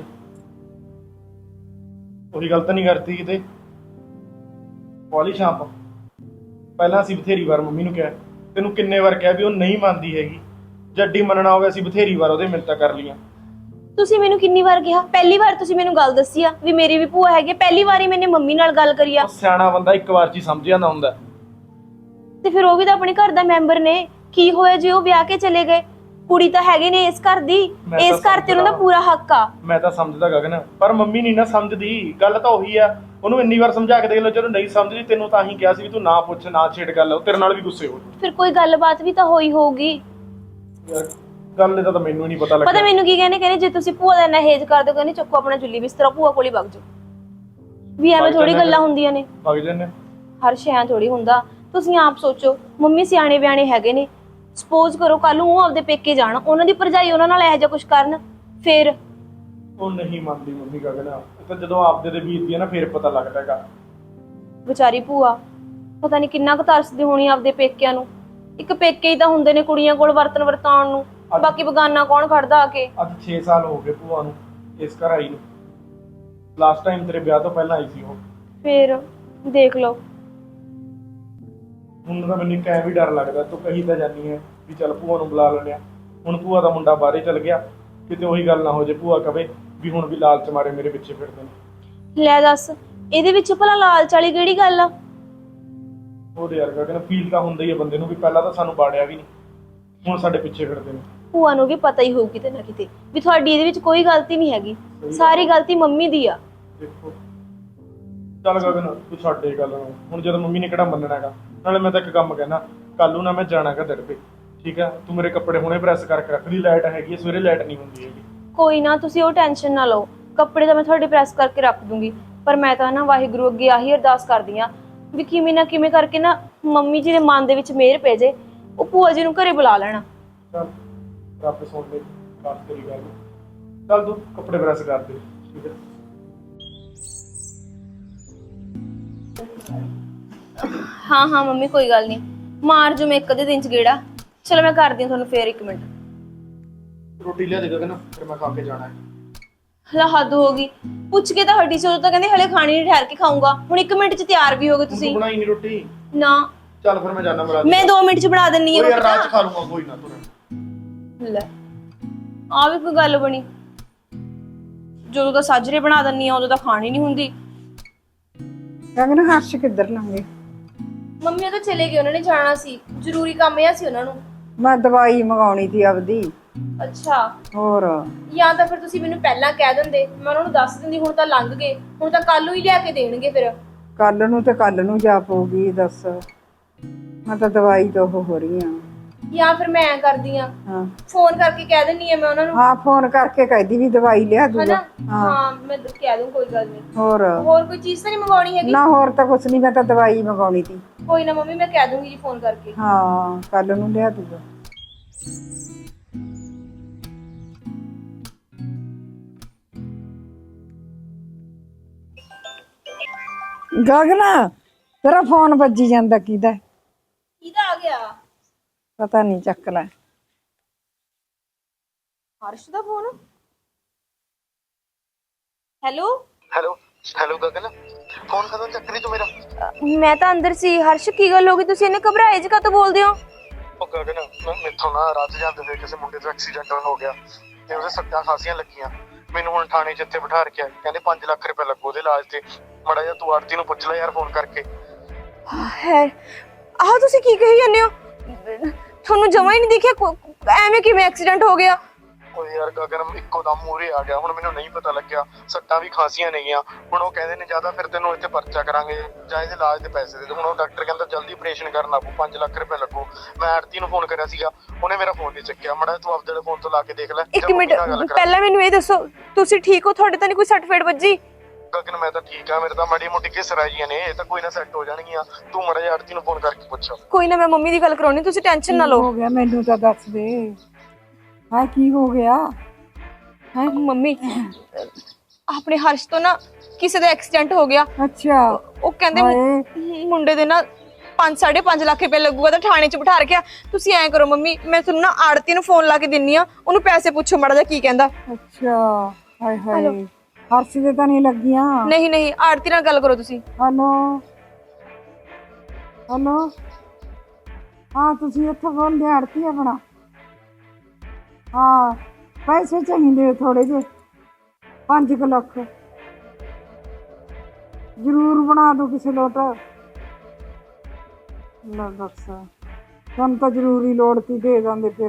ਉਹੀ ਗਲਤ ਨਹੀਂ ਕਰਤੀ ਕਿਤੇ ਪੌਲੀ ਸ਼ਾਂਪ। ਪਹਿਲਾਂ ਅਸੀਂ ਬਥੇਰੀ ਵਾਰ ਮੰਮੀ ਨੂੰ ਕਿਹਾ, ਤੈਨੂੰ ਕਿੰਨੇ ਵਾਰ ਕਿਹਾ ਵੀ ਉਹ ਨਹੀਂ ਮੰਨਦੀ ਹੈਗੀ। ਜੱਡੀ ਮੰਨਣਾ ਹੋਵੇ ਅਸੀਂ ਬਥੇਰੀ ਵਾਰ ਉਹਦੇ ਮਿੰਨਤਾਂ ਕਰ ਲੀਆਂ। ਤੁਸੀਂ ਮੈਨੂੰ ਕਿੰਨੀ ਵਾਰ ਕਿਹਾ? ਪਹਿਲੀ ਵਾਰ ਤੁਸੀਂ ਮੈਨੂੰ ਗੱਲ ਦੱਸੀ ਆ ਵੀ ਮੇਰੀ ਵੀ ਭੂਆ ਹੈਗੀ, ਪਹਿਲੀ ਵਾਰੀ ਮੈंने ਮੰਮੀ ਨਾਲ ਗੱਲ ਕਰੀ ਆ। ਉਹ ਸਿਆਣਾ ਬੰਦਾ ਇੱਕ ਵਾਰ 'ਚ ਹੀ ਸਮਝ ਜਾਂਦਾ ਹੁੰਦਾ। ਤੇ ਫਿਰ ਉਹ ਵੀ ਤਾਂ ਆਪਣੇ ਘਰ ਦਾ ਮੈਂਬਰ ਨੇ, ਕੀ ਹੋਇਆ ਜੇ ਉਹ ਵਿਆਹ ਕੇ ਚਲੇ ਗਏ? ਕੁੜੀ ਤਾਂ ਹੈਗੇ ਨੇ ਇਸ ਘਰ ਦੀ, ਇਸ ਘਰ ਤੇ ਉਹਨਾਂ ਦਾ ਪੂਰਾ ਹੱਕ ਆ। ਮੈਂ ਤਾਂ ਸਮਝਦਾ ਗਗਨ, ਪਰ ਮੰਮੀ ਨਹੀਂ ਨਾ ਸਮਝਦੀ। ਗੱਲ ਤਾਂ ਉਹੀ ਆ, ਉਹਨੂੰ ਇੰਨੀ ਵਾਰ ਸਮਝਾ ਕੇ ਦੇਖ ਲਓ, ਜਦੋਂ ਨਹੀਂ ਸਮਝਦੀ ਤੈਨੂੰ ਤਾਂ ਹੀ ਕਿਹਾ ਸੀ ਵੀ ਤੂੰ ਨਾ ਪੁੱਛ ਨਾ ਛੇੜ ਗੱਲ, ਉਹ ਤੇਰੇ ਨਾਲ ਵੀ ਗੁੱਸੇ ਹੋ। ਫਿਰ ਕੋਈ ਗੱਲਬਾਤ ਵੀ ਤਾਂ ਹੋਈ ਹੋਊਗੀ। ਯਾਰ ਗੱਲ ਦਾ ਤਾਂ ਮੈਨੂੰ ਨਹੀਂ ਪਤਾ ਲੱਗਦਾ। ਪਤਾ ਮੈਨੂੰ ਕੀ ਕਹਿੰਦੇ ਜੇ ਤੁਸੀਂ ਭੂਆ ਦਾ ਇੰਨਾ ਹੇਜ ਕਰਦੇ ਹੋ, ਕਹਿੰਦੇ ਚੱਕੋ ਆਪਣਾ ਜੁੱਲੀ ਬਿਸਤਰਾ ਭੂਆ ਕੋਲ ਹੀ ਵਗ ਜਾਓ। ਵੀ ਐਵੇਂ ਥੋੜੀ ਗੱਲਾਂ ਹੁੰਦੀਆਂ ਨੇ, ਵਗ ਜਾਂਦੇ। ਹਰ ਸ਼ੈ ਥੋੜੀ ਹੁੰਦਾ। ਤੁਸੀਂ ਆਪ ਸੋਚੋ, ਮੰਮੀ ਸਿਆਣੇ ਬਿਆਣੇ ਹੈਗੇ ਨੇ, ਸਪੋਜ਼ ਕਰੋ ਕੱਲ ਨੂੰ ਉਹ ਆਪਦੇ ਪੇਕੇ ਜਾਣ, ਉਹਨਾਂ ਦੀ ਭਰਜਾਈ ਉਹਨਾਂ ਨਾਲ ਇਹੋ ਜਿਹਾ ਕੁਝ ਕਰਨ, ਫਿਰ ਉਹ ਨਹੀਂ ਮੰਨਦੀ ਮੰਮੀ ਗਗਨ। ਇਹ ਤਾਂ ਜਦੋਂ ਆਪਦੇ ਤੇ ਬੀਤਦੀ ਹੈ ਨਾ ਫਿਰ ਪਤਾ ਲੱਗਦਾ ਹੈਗਾ। ਵਿਚਾਰੀ ਭੂਆ ਪਤਾ ਨਹੀਂ ਕਿੰਨਾ ਕੁ ਤਰਸਦੀ ਹੋਣੀ ਆਪਦੇ ਪੇਕਿਆਂ ਨੂੰ। ਇੱਕ ਪੇਕੇ ਹੀ ਤਾਂ ਹੁੰਦੇ ਨੇ ਕੁੜੀਆਂ ਕੋਲ ਵਰਤਨ ਵਰਤਾਉਣ ਨੂੰ, ਬਾਕੀ ਬਗਾਨਾ ਕੌਣ ਖੜਦਾ ਆ ਕੇ। ਅੱਜ 6 ਸਾਲ ਹੋ ਗਏ ਭੂਆ ਨੂੰ ਇਸ ਘਰ ਆਈ ਨੂੰ। ਲਾਸਟ ਟਾਈਮ ਤੇਰੇ ਵਿਆਹ ਤੋਂ ਪਹਿਲਾਂ ਆਈ ਸੀ ਉਹ। ਫਿਰ ਦੇਖ ਲਓ, ਹੁਣ ਤਾਂ ਮੈਨੂੰ ਕਹਿ ਵੀ ਡਰ ਲੱਗਦਾ। ਤੂੰ ਕਹੀ ਤਾਂ ਜਾਨੀ ਹੈ ਵੀ ਚੱਲ ਭੂਆ ਨੂੰ ਬੁਲਾ ਲੈਂਦੇ ਆ। ਹੁਣ ਭੂਆ ਦਾ ਮੁੰਡਾ ਬਾਹਰੇ ਚਲ ਗਿਆ, ਕਿਤੇ ਉਹੀ ਗੱਲ ਨਾ ਹੋ ਜੇ ਭੂਆ ਕਵੇ ਵੀ ਹੁਣ ਵੀ ਲਾਲਚ ਮਾਰੇ ਮੇਰੇ ਪਿੱਛੇ ਫਿਰਦੇ ਨੇ। ਲੈ ਦੱਸ, ਇਹਦੇ ਵਿੱਚ ਭਲਾ ਲਾਲਚ ਵਾਲੀ ਕਿਹੜੀ ਗੱਲ ਆ? ਉਹਦੇ ਯਾਰ ਗਗਨ ਫੀਲ ਤਾਂ ਹੁੰਦਾ ਹੀ ਹੈ ਬੰਦੇ ਨੂੰ ਵੀ ਪਹਿਲਾਂ ਤਾਂ ਸਾਨੂੰ ਬਾੜਿਆ ਵੀ ਨਹੀਂ, ਹੁਣ ਸਾਡੇ ਪਿੱਛੇ ਫਿਰਦੇ ਨੇ। ਭੂਆ ਨੂੰ ਵੀ ਪਤਾ ਹੀ ਹੋਊ ਕਿਤੇ ਨਾ ਕਿਤੇ ਵੀ ਤੁਹਾਡੀ ਇਹਦੇ ਵਿੱਚ ਕੋਈ ਗਲਤੀ ਨਹੀਂ ਹੈਗੀ, ਸਾਰੀ ਗਲਤੀ ਮੰਮੀ ਦੀ ਆ। ਦੇਖੋ ਚੱਲ ਗਗਨ ਤੂੰ ਛੱਡ ਇਹ ਗੱਲ ਨੂੰ, ਹੁਣ ਜਦੋਂ ਮੰਮੀ ਨੇ ਕਿਹੜਾ ਮੰਨਣਾ ਹੈਗਾ। ਨਾਲੇ ਮੈਂ ਤਾਂ ਇੱਕ ਕੰਮ ਕਹਿਣਾ, ਕੱਲ ਨੂੰ ਨਾ ਮੈਂ ਜਾਣਾਗਾ ਦੜਪੇ, ਠੀਕ ਆ? ਤੂੰ ਮੇਰੇ ਕੱਪੜੇ ਹੁਣੇ ਪ੍ਰੈਸ ਕਰਕੇ ਰੱਖ ਲਈ, ਲਾਈਟ ਹੈਗੀ ਹੈ, ਸਵੇਰੇ ਲਾਈਟ ਨਹੀਂ ਹੁੰਦੀ ਹੈਗੀ। ਕੋਈ ਨਾ, ਤੁਸੀਂ ਉਹ ਟੈਨਸ਼ਨ ਨਾ ਲਓ, ਕੱਪੜੇ ਤਾਂ ਮੈਂ ਤੁਹਾਡੇ ਪ੍ਰੈਸ ਕਰਕੇ ਰੱਖ ਦੂੰਗੀ। ਪਰ ਮੈਂ ਤਾਂ ਨਾ ਵਾਹਿਗੁਰੂ ਅੱਗੇ ਆਹੀ ਅਰਦਾਸ ਕਰਦੀ ਆ ਵੀ ਕਿਵੇਂ ਨਾ ਕਿਵੇਂ ਕਰਕੇ ਨਾ ਮੰਮੀ ਜੀ ਦੇ ਮਨ ਦੇ ਵਿੱਚ ਮਿਹਰ ਪੈ ਜੇ, ਉਹ ਭੂਆ ਜੀ ਨੂੰ ਘਰੇ ਬੁਲਾ ਲੈਣਾ। ਚੱਲ ਰੱਬ ਸੁਣ ਲੈ ਬਾਤ ਤੇਰੀ ਗੱਲ। ਚੱਲ ਤੂੰ ਕੱਪੜੇ ਪ੍ਰੈਸ ਕਰ ਦੇ, ਠੀਕ ਹੈ? ਹਾਂ ਹਾਂ ਮੰਮੀ, ਕੋਈ ਗੱਲ ਨਹੀਂ, ਮਾਰ ਜੂ ਮੈਂ ਇੱਕ ਅੱਧੇ ਦਿਨ ਚ ਗੇੜਾ। ਚਲੋ ਮੈਂ ਕਰਦੀ ਹਾਂ ਤੁਹਾਨੂੰ ਫੇਰ 1 ਮਿੰਟ। ਰੋਟੀ ਲਿਆ ਦੇ ਗਗਨ, ਫਿਰ ਮੈਂ ਖਾ ਕੇ ਜਾਣਾ ਹੈ। ਹਲਾ ਹੱਦ ਹੋ ਗਈ, ਪੁੱਛ ਕੇ ਤਾਂ ਹੱਡੀ ਚੋਂ ਤਾਂ ਕਹਿੰਦੇ ਹਲੇ ਖਾਣੀ ਨਹੀਂ, ਠਹਿਰ ਕੇ ਖਾਊਂਗਾ। ਹੁਣ 1 ਮਿੰਟ ਚ ਤਿਆਰ ਵੀ ਹੋ ਗਏ ਤੂੰ ਤੁਸੀਂ। ਬਣਾਈ ਨਹੀਂ ਰੋਟੀ? ਨਾ, ਚੱਲ ਫਿਰ ਮੈਂ ਜਾਣਾ ਮਰਾ। ਮੈਂ 2 ਮਿੰਟ ਚ ਬਣਾ ਦਿੰਨੀ ਆ ਯਾਰ ਰਾਤ ਰੋਟੀ। ਖਾ ਲੂੰਗਾ, ਕੋਈ ਨਾ ਤੂੰ। ਲੈ ਆ ਵੀ ਕੋਈ ਗੱਲ ਬਣੀ, ਜਦੋਂ ਤਾਂ ਸਾਜਰੇ ਬਣਾ ਦਿੰਨੀ ਆ ਉਦੋਂ ਤਾਂ ਖਾਣੀ ਨਹੀਂ ਹੁੰਦੀ। ਗਗਨ ਹਰਸ਼ ਕਿੱਧਰ ਲੰਗੇ? ਮੰਮੀ ਉਹ ਤਾਂ ਚਲੇ ਗਏ, ਉਹਨਾਂ ਨੇ ਜਾਣਾ ਸੀ, ਜ਼ਰੂਰੀ ਕੰਮ ਆ ਸੀ ਉਹਨਾਂ ਨੂੰ। ਮੈਂ ਦਵਾਈ ਮੰਗਾਉਣੀ ਸੀ ਆਪਦੀ। ਅੱਛਾ, ਹੋਰ ਜਾਂ ਤਾਂ ਫਿਰ ਤੁਸੀਂ ਮੈਨੂੰ ਪਹਿਲਾਂ ਕਹਿ ਦਿੰਦੇ, ਮੈਂ ਉਹਨਾਂ ਨੂੰ ਦੱਸ ਦਿੰਦੀ। ਹੁਣ ਤਾਂ ਲੰਘ ਗਏ, ਹੁਣ ਤਾਂ ਕੱਲ ਨੂੰ ਹੀ ਲਿਆ ਕੇ ਦੇਣਗੇ ਫਿਰ। ਕੱਲ ਨੂੰ ਤੇ ਕੱਲ ਨੂੰ ਜਾ ਪਊਗੀ, ਦੱਸ। ਮੈਂ ਤਾਂ ਦਵਾਈ ਤੋਂ ਉਹ ਹੋ ਰਹੀ ਹਾਂ। ਜਾਂ ਫਿਰ ਮੈਂ ਐਂ ਕਰਦੀ ਆ, ਹਾਂ ਫੋਨ ਕਰਕੇ ਕਹਿ ਦਿੰਨੀ ਆ ਮੈਂ ਉਹਨਾਂ ਨੂੰ, ਹਾਂ, ਫੋਨ ਕਰਕੇ ਕਹਿਦੀ ਵੀ ਦਵਾਈ ਲਿਆ ਦੂਗਾ। ਹਨਾ? ਹਾਂ ਮੈਂ ਕਹਿ ਦੂੰ, ਕੋਈ ਗੱਲ ਨਹੀਂ। ਹੋਰ ਕੋਈ ਚੀਜ਼ ਤਾਂ ਨਹੀਂ ਮੰਗਵਾਉਣੀ ਹੈਗੀ? ਨਾ, ਹੋਰ ਤਾਂ ਕੁਛ ਨਹੀਂ, ਮੈਂ ਤਾਂ ਦਵਾਈ ਮੰਗਾਉਣੀ ਸੀ। ਕੋਈ ਨਾ ਮੰਮੀ, ਮੈਂ ਕਹਿ ਦੂੰਗੀ ਜੀ ਫੋਨ ਕਰਕੇ। ਹਾਂ, ਕੱਲ ਨੂੰ ਲਿਆ ਦੂਗਾ। ਗਗਨ ਤੇਰਾ ਫੋਨ ਵੱਜੀ ਜਾਂਦਾ, ਕਿਹਦਾ? ਕਿਹਦਾ ਆ ਗਿਆ? ਪਤਾ ਨਹੀਂ, ਚੱਕ ਲੈ। ਹਰਸ਼ ਦਾ phone. Hello hello Gagan, phone ਕਦੋਂ ਚੱਕ ਲਈ ਤੂੰ ਮੇਰਾ? ਮੈਂ ਤਾਂ ਅੰਦਰ ਸੀ। ਹਰਸ਼ ਕੀ ਗੱਲ ਹੋ ਗਈ, ਤੁਸੀਂ ਇਹਨੇ ਘਬਰਾਏ ਜਿਹਾ ਕਾਹਤੋਂ ਬੋਲਦੇ ਹੋ? ਉਹ ਗਗਨ, ਮੈਥੋਂ ਨਾ ਰਾਤ ਜਾਂਦੇ ਹੋਏ ਕਿਸੇ ਮੁੰਡੇ ਦਾ ਐਕਸੀਡੈਂਟ ਹੋ ਗਿਆ ਤੇ ਉਹਦੇ ਸੱਟਾਂ ਖਾਸੀਆਂ ਲੱਗੀਆਂ। ਮੈਨੂੰ ਹੁਣ ਥਾਣੇ 'ਚ ਇੱਥੇ ਬਿਠਾ ਰੱਖਿਆ, ਕਹਿੰਦੇ 5 ਲੱਖ ਰੁਪਏ ਲੱਗੂ ਉਹਦੇ ਇਲਾਜ ਤੇ। ਮਾੜਾ ਜਿਹਾ ਤੂੰ ਆਰਤੀ ਨੂੰ ਪੁੱਛ ਲੈ ਯਾਰ ਫੋਨ ਕਰਕੇ। ਹੈ ਆਹ ਤੁਸੀਂ ਕੀ ਕਹੀ ਜਾਂਦੇ ਹੋ? ਤੁਹਾਨੂੰ ਜਮਾ ਹੀ ਨਹੀਂ ਦਿਖਿਆ? ਐਵੇਂ ਕਿਵੇਂ ਐਕਸੀਡੈਂਟ ਹੋ ਗਿਆ? ਉਹ ਯਾਰ ਗਗਨ ਇੱਕੋ ਦਮ ਮੂਹਰੇ ਆ ਗਿਆ, ਹੁਣ ਮੈਨੂੰ ਨਹੀਂ ਪਤਾ ਲੱਗਿਆ, ਸੱਟਾਂ ਵੀ ਖਾਂਸੀਆਂ ਨੇਗੀਆਂ। ਹੁਣ ਉਹ ਕਹਿੰਦੇ ਨੇ ਜਿਆਦਾ ਫਿਰ ਤੈਨੂੰ ਇੱਥੇ ਪਰਚਾ ਕਰਾਂਗੇ ਜਾਂ ਇਹਦੇ ਇਲਾਜ ਦੇ ਪੈਸੇ ਦੇ ਦੇ। ਹੁਣ ਉਹ ਡਾਕਟਰ ਕਹਿੰਦਾ ਜਲਦੀ ਆਪਰੇਸ਼ਨ ਕਰਨਾ ਪਊ, 5 ਲੱਖ ਰੁਪਏ ਲੱਗੂ। ਮੈਂ ਆੜਤੀ ਨੂੰ ਫੋਨ ਕਰਿਆ ਸੀਗਾ, ਉਹਨੇ ਮੇਰਾ ਫੋਨ ਨਹੀਂ ਚੱਕਿਆ। ਮੜਾ ਤੂੰ ਆਪਦੇ ਫੋਨ ਤੋਂ ਲਾ ਕੇ ਦੇਖ ਲੈ। ਇੱਕ ਮਿੰਟ ਪਹਿਲਾਂ ਮੈਨੂੰ ਇਹ ਦੱਸੋ, ਤੁਸੀਂ ਠੀਕ ਹੋ? ਤੁਹਾਡੇ ਤਾਂ ਨਹੀਂ ਕੋਈ ਸੱਟ ਫੇਟ ਵੱਜੀ? ਗਗਨ ਮੈਂ ਤਾਂ ਠੀਕ ਆ, ਮੇਰੇ ਤਾਂ ਮਾੜੀ ਮੋਟੀ ਘਿਸਰਾਂ ਜੀਆਂ ਨੇ, ਇਹ ਤਾਂ ਕੋਈ ਨਾ ਸੈੱਟ ਹੋ ਜਾਣਗੀਆਂ। ਤੂੰ ਮੜਾ ਜਿਹਾ ਆੜਤੀ ਨੂੰ ਫੋਨ ਕਰਕੇ ਪੁੱਛ। ਕੋਈ ਨਾ, ਮੈਂ ਮੰਮੀ ਦੀ ਗੱਲ ਕਰਾਉਣੀ, ਤੁਸੀਂ ਟੈਨਸ਼ਨ ਨਾ ਕੀ ਲਓ। ਹੋ ਗਿਆ ਮੈਨੂੰ ਤਾਂ ਦੱਸ ਦੇ। ਹਾਂ ਕੀ ਹੋ ਗਿਆ? ਮੰਮੀ ਆਪਣੇ ਹਰਸ਼ ਤੋਂ ਨਾ ਕਿਸੇ ਦਾ ਐਕਸੀਡੈਂਟ ਹੋ ਗਿਆ। ਅੱਛਾ ਉਹ ਕਹਿੰਦੇ ਹਾਏ। ਮੁੰਡੇ ਦੇ ਨਾ 5.5 ਲੱਖ ਰੁਪਏ ਲੱਗੂਗਾ ਤਾਂ ਥਾਣੇ 'ਚ ਬਿਠਾ ਰੱਖਿਆ। ਤੁਸੀਂ ਐਂ ਕਰੋ ਮੰਮੀ, ਮੈਂ ਤੁਹਾਨੂੰ ਨਾ ਆੜਤੀ ਨੂੰ ਫੋਨ ਲਾ ਕੇ ਦਿੰਨੀ ਆ, ਉਹਨੂੰ ਪੈਸੇ ਪੁੱਛੋ ਮਾੜਾ ਜਿਹਾ ਕੀ ਕਹਿੰਦਾ। ਅੱਛਾ ਹਾਏ ਹਾਏ, ਹਰਸ਼ ਦੇ ਤਾਂ ਨਹੀਂ ਲੱਗੀਆਂ? ਨਹੀਂ ਨਹੀਂ, ਆੜਤੀ ਨਾਲ ਗੱਲ ਕਰੋ ਤੁਸੀਂ। ਹੈਲੋ ਹੈਲੋ, ਹਾਂ ਤੁਸੀਂ ਇੱਥੇ ਬੋਲਦੇ ਆੜਤੀ ਆਪਣਾ? ਹਾਂ ਪੈਸੇ ਚਾਹੀਦੇ ਥੋੜੇ ਜਿਹੇ, 5 ਲੱਖ ਜ਼ਰੂਰ ਬਣਾ ਦੋ ਕਿਸੇ ਲੋਟ। ਲੈ ਦੱਸ, ਸਾਨੂੰ ਤਾਂ ਜ਼ਰੂਰੀ ਲੋੜ ਸੀ, ਦੇ ਜਾਂਦੇ ਫਿਰ।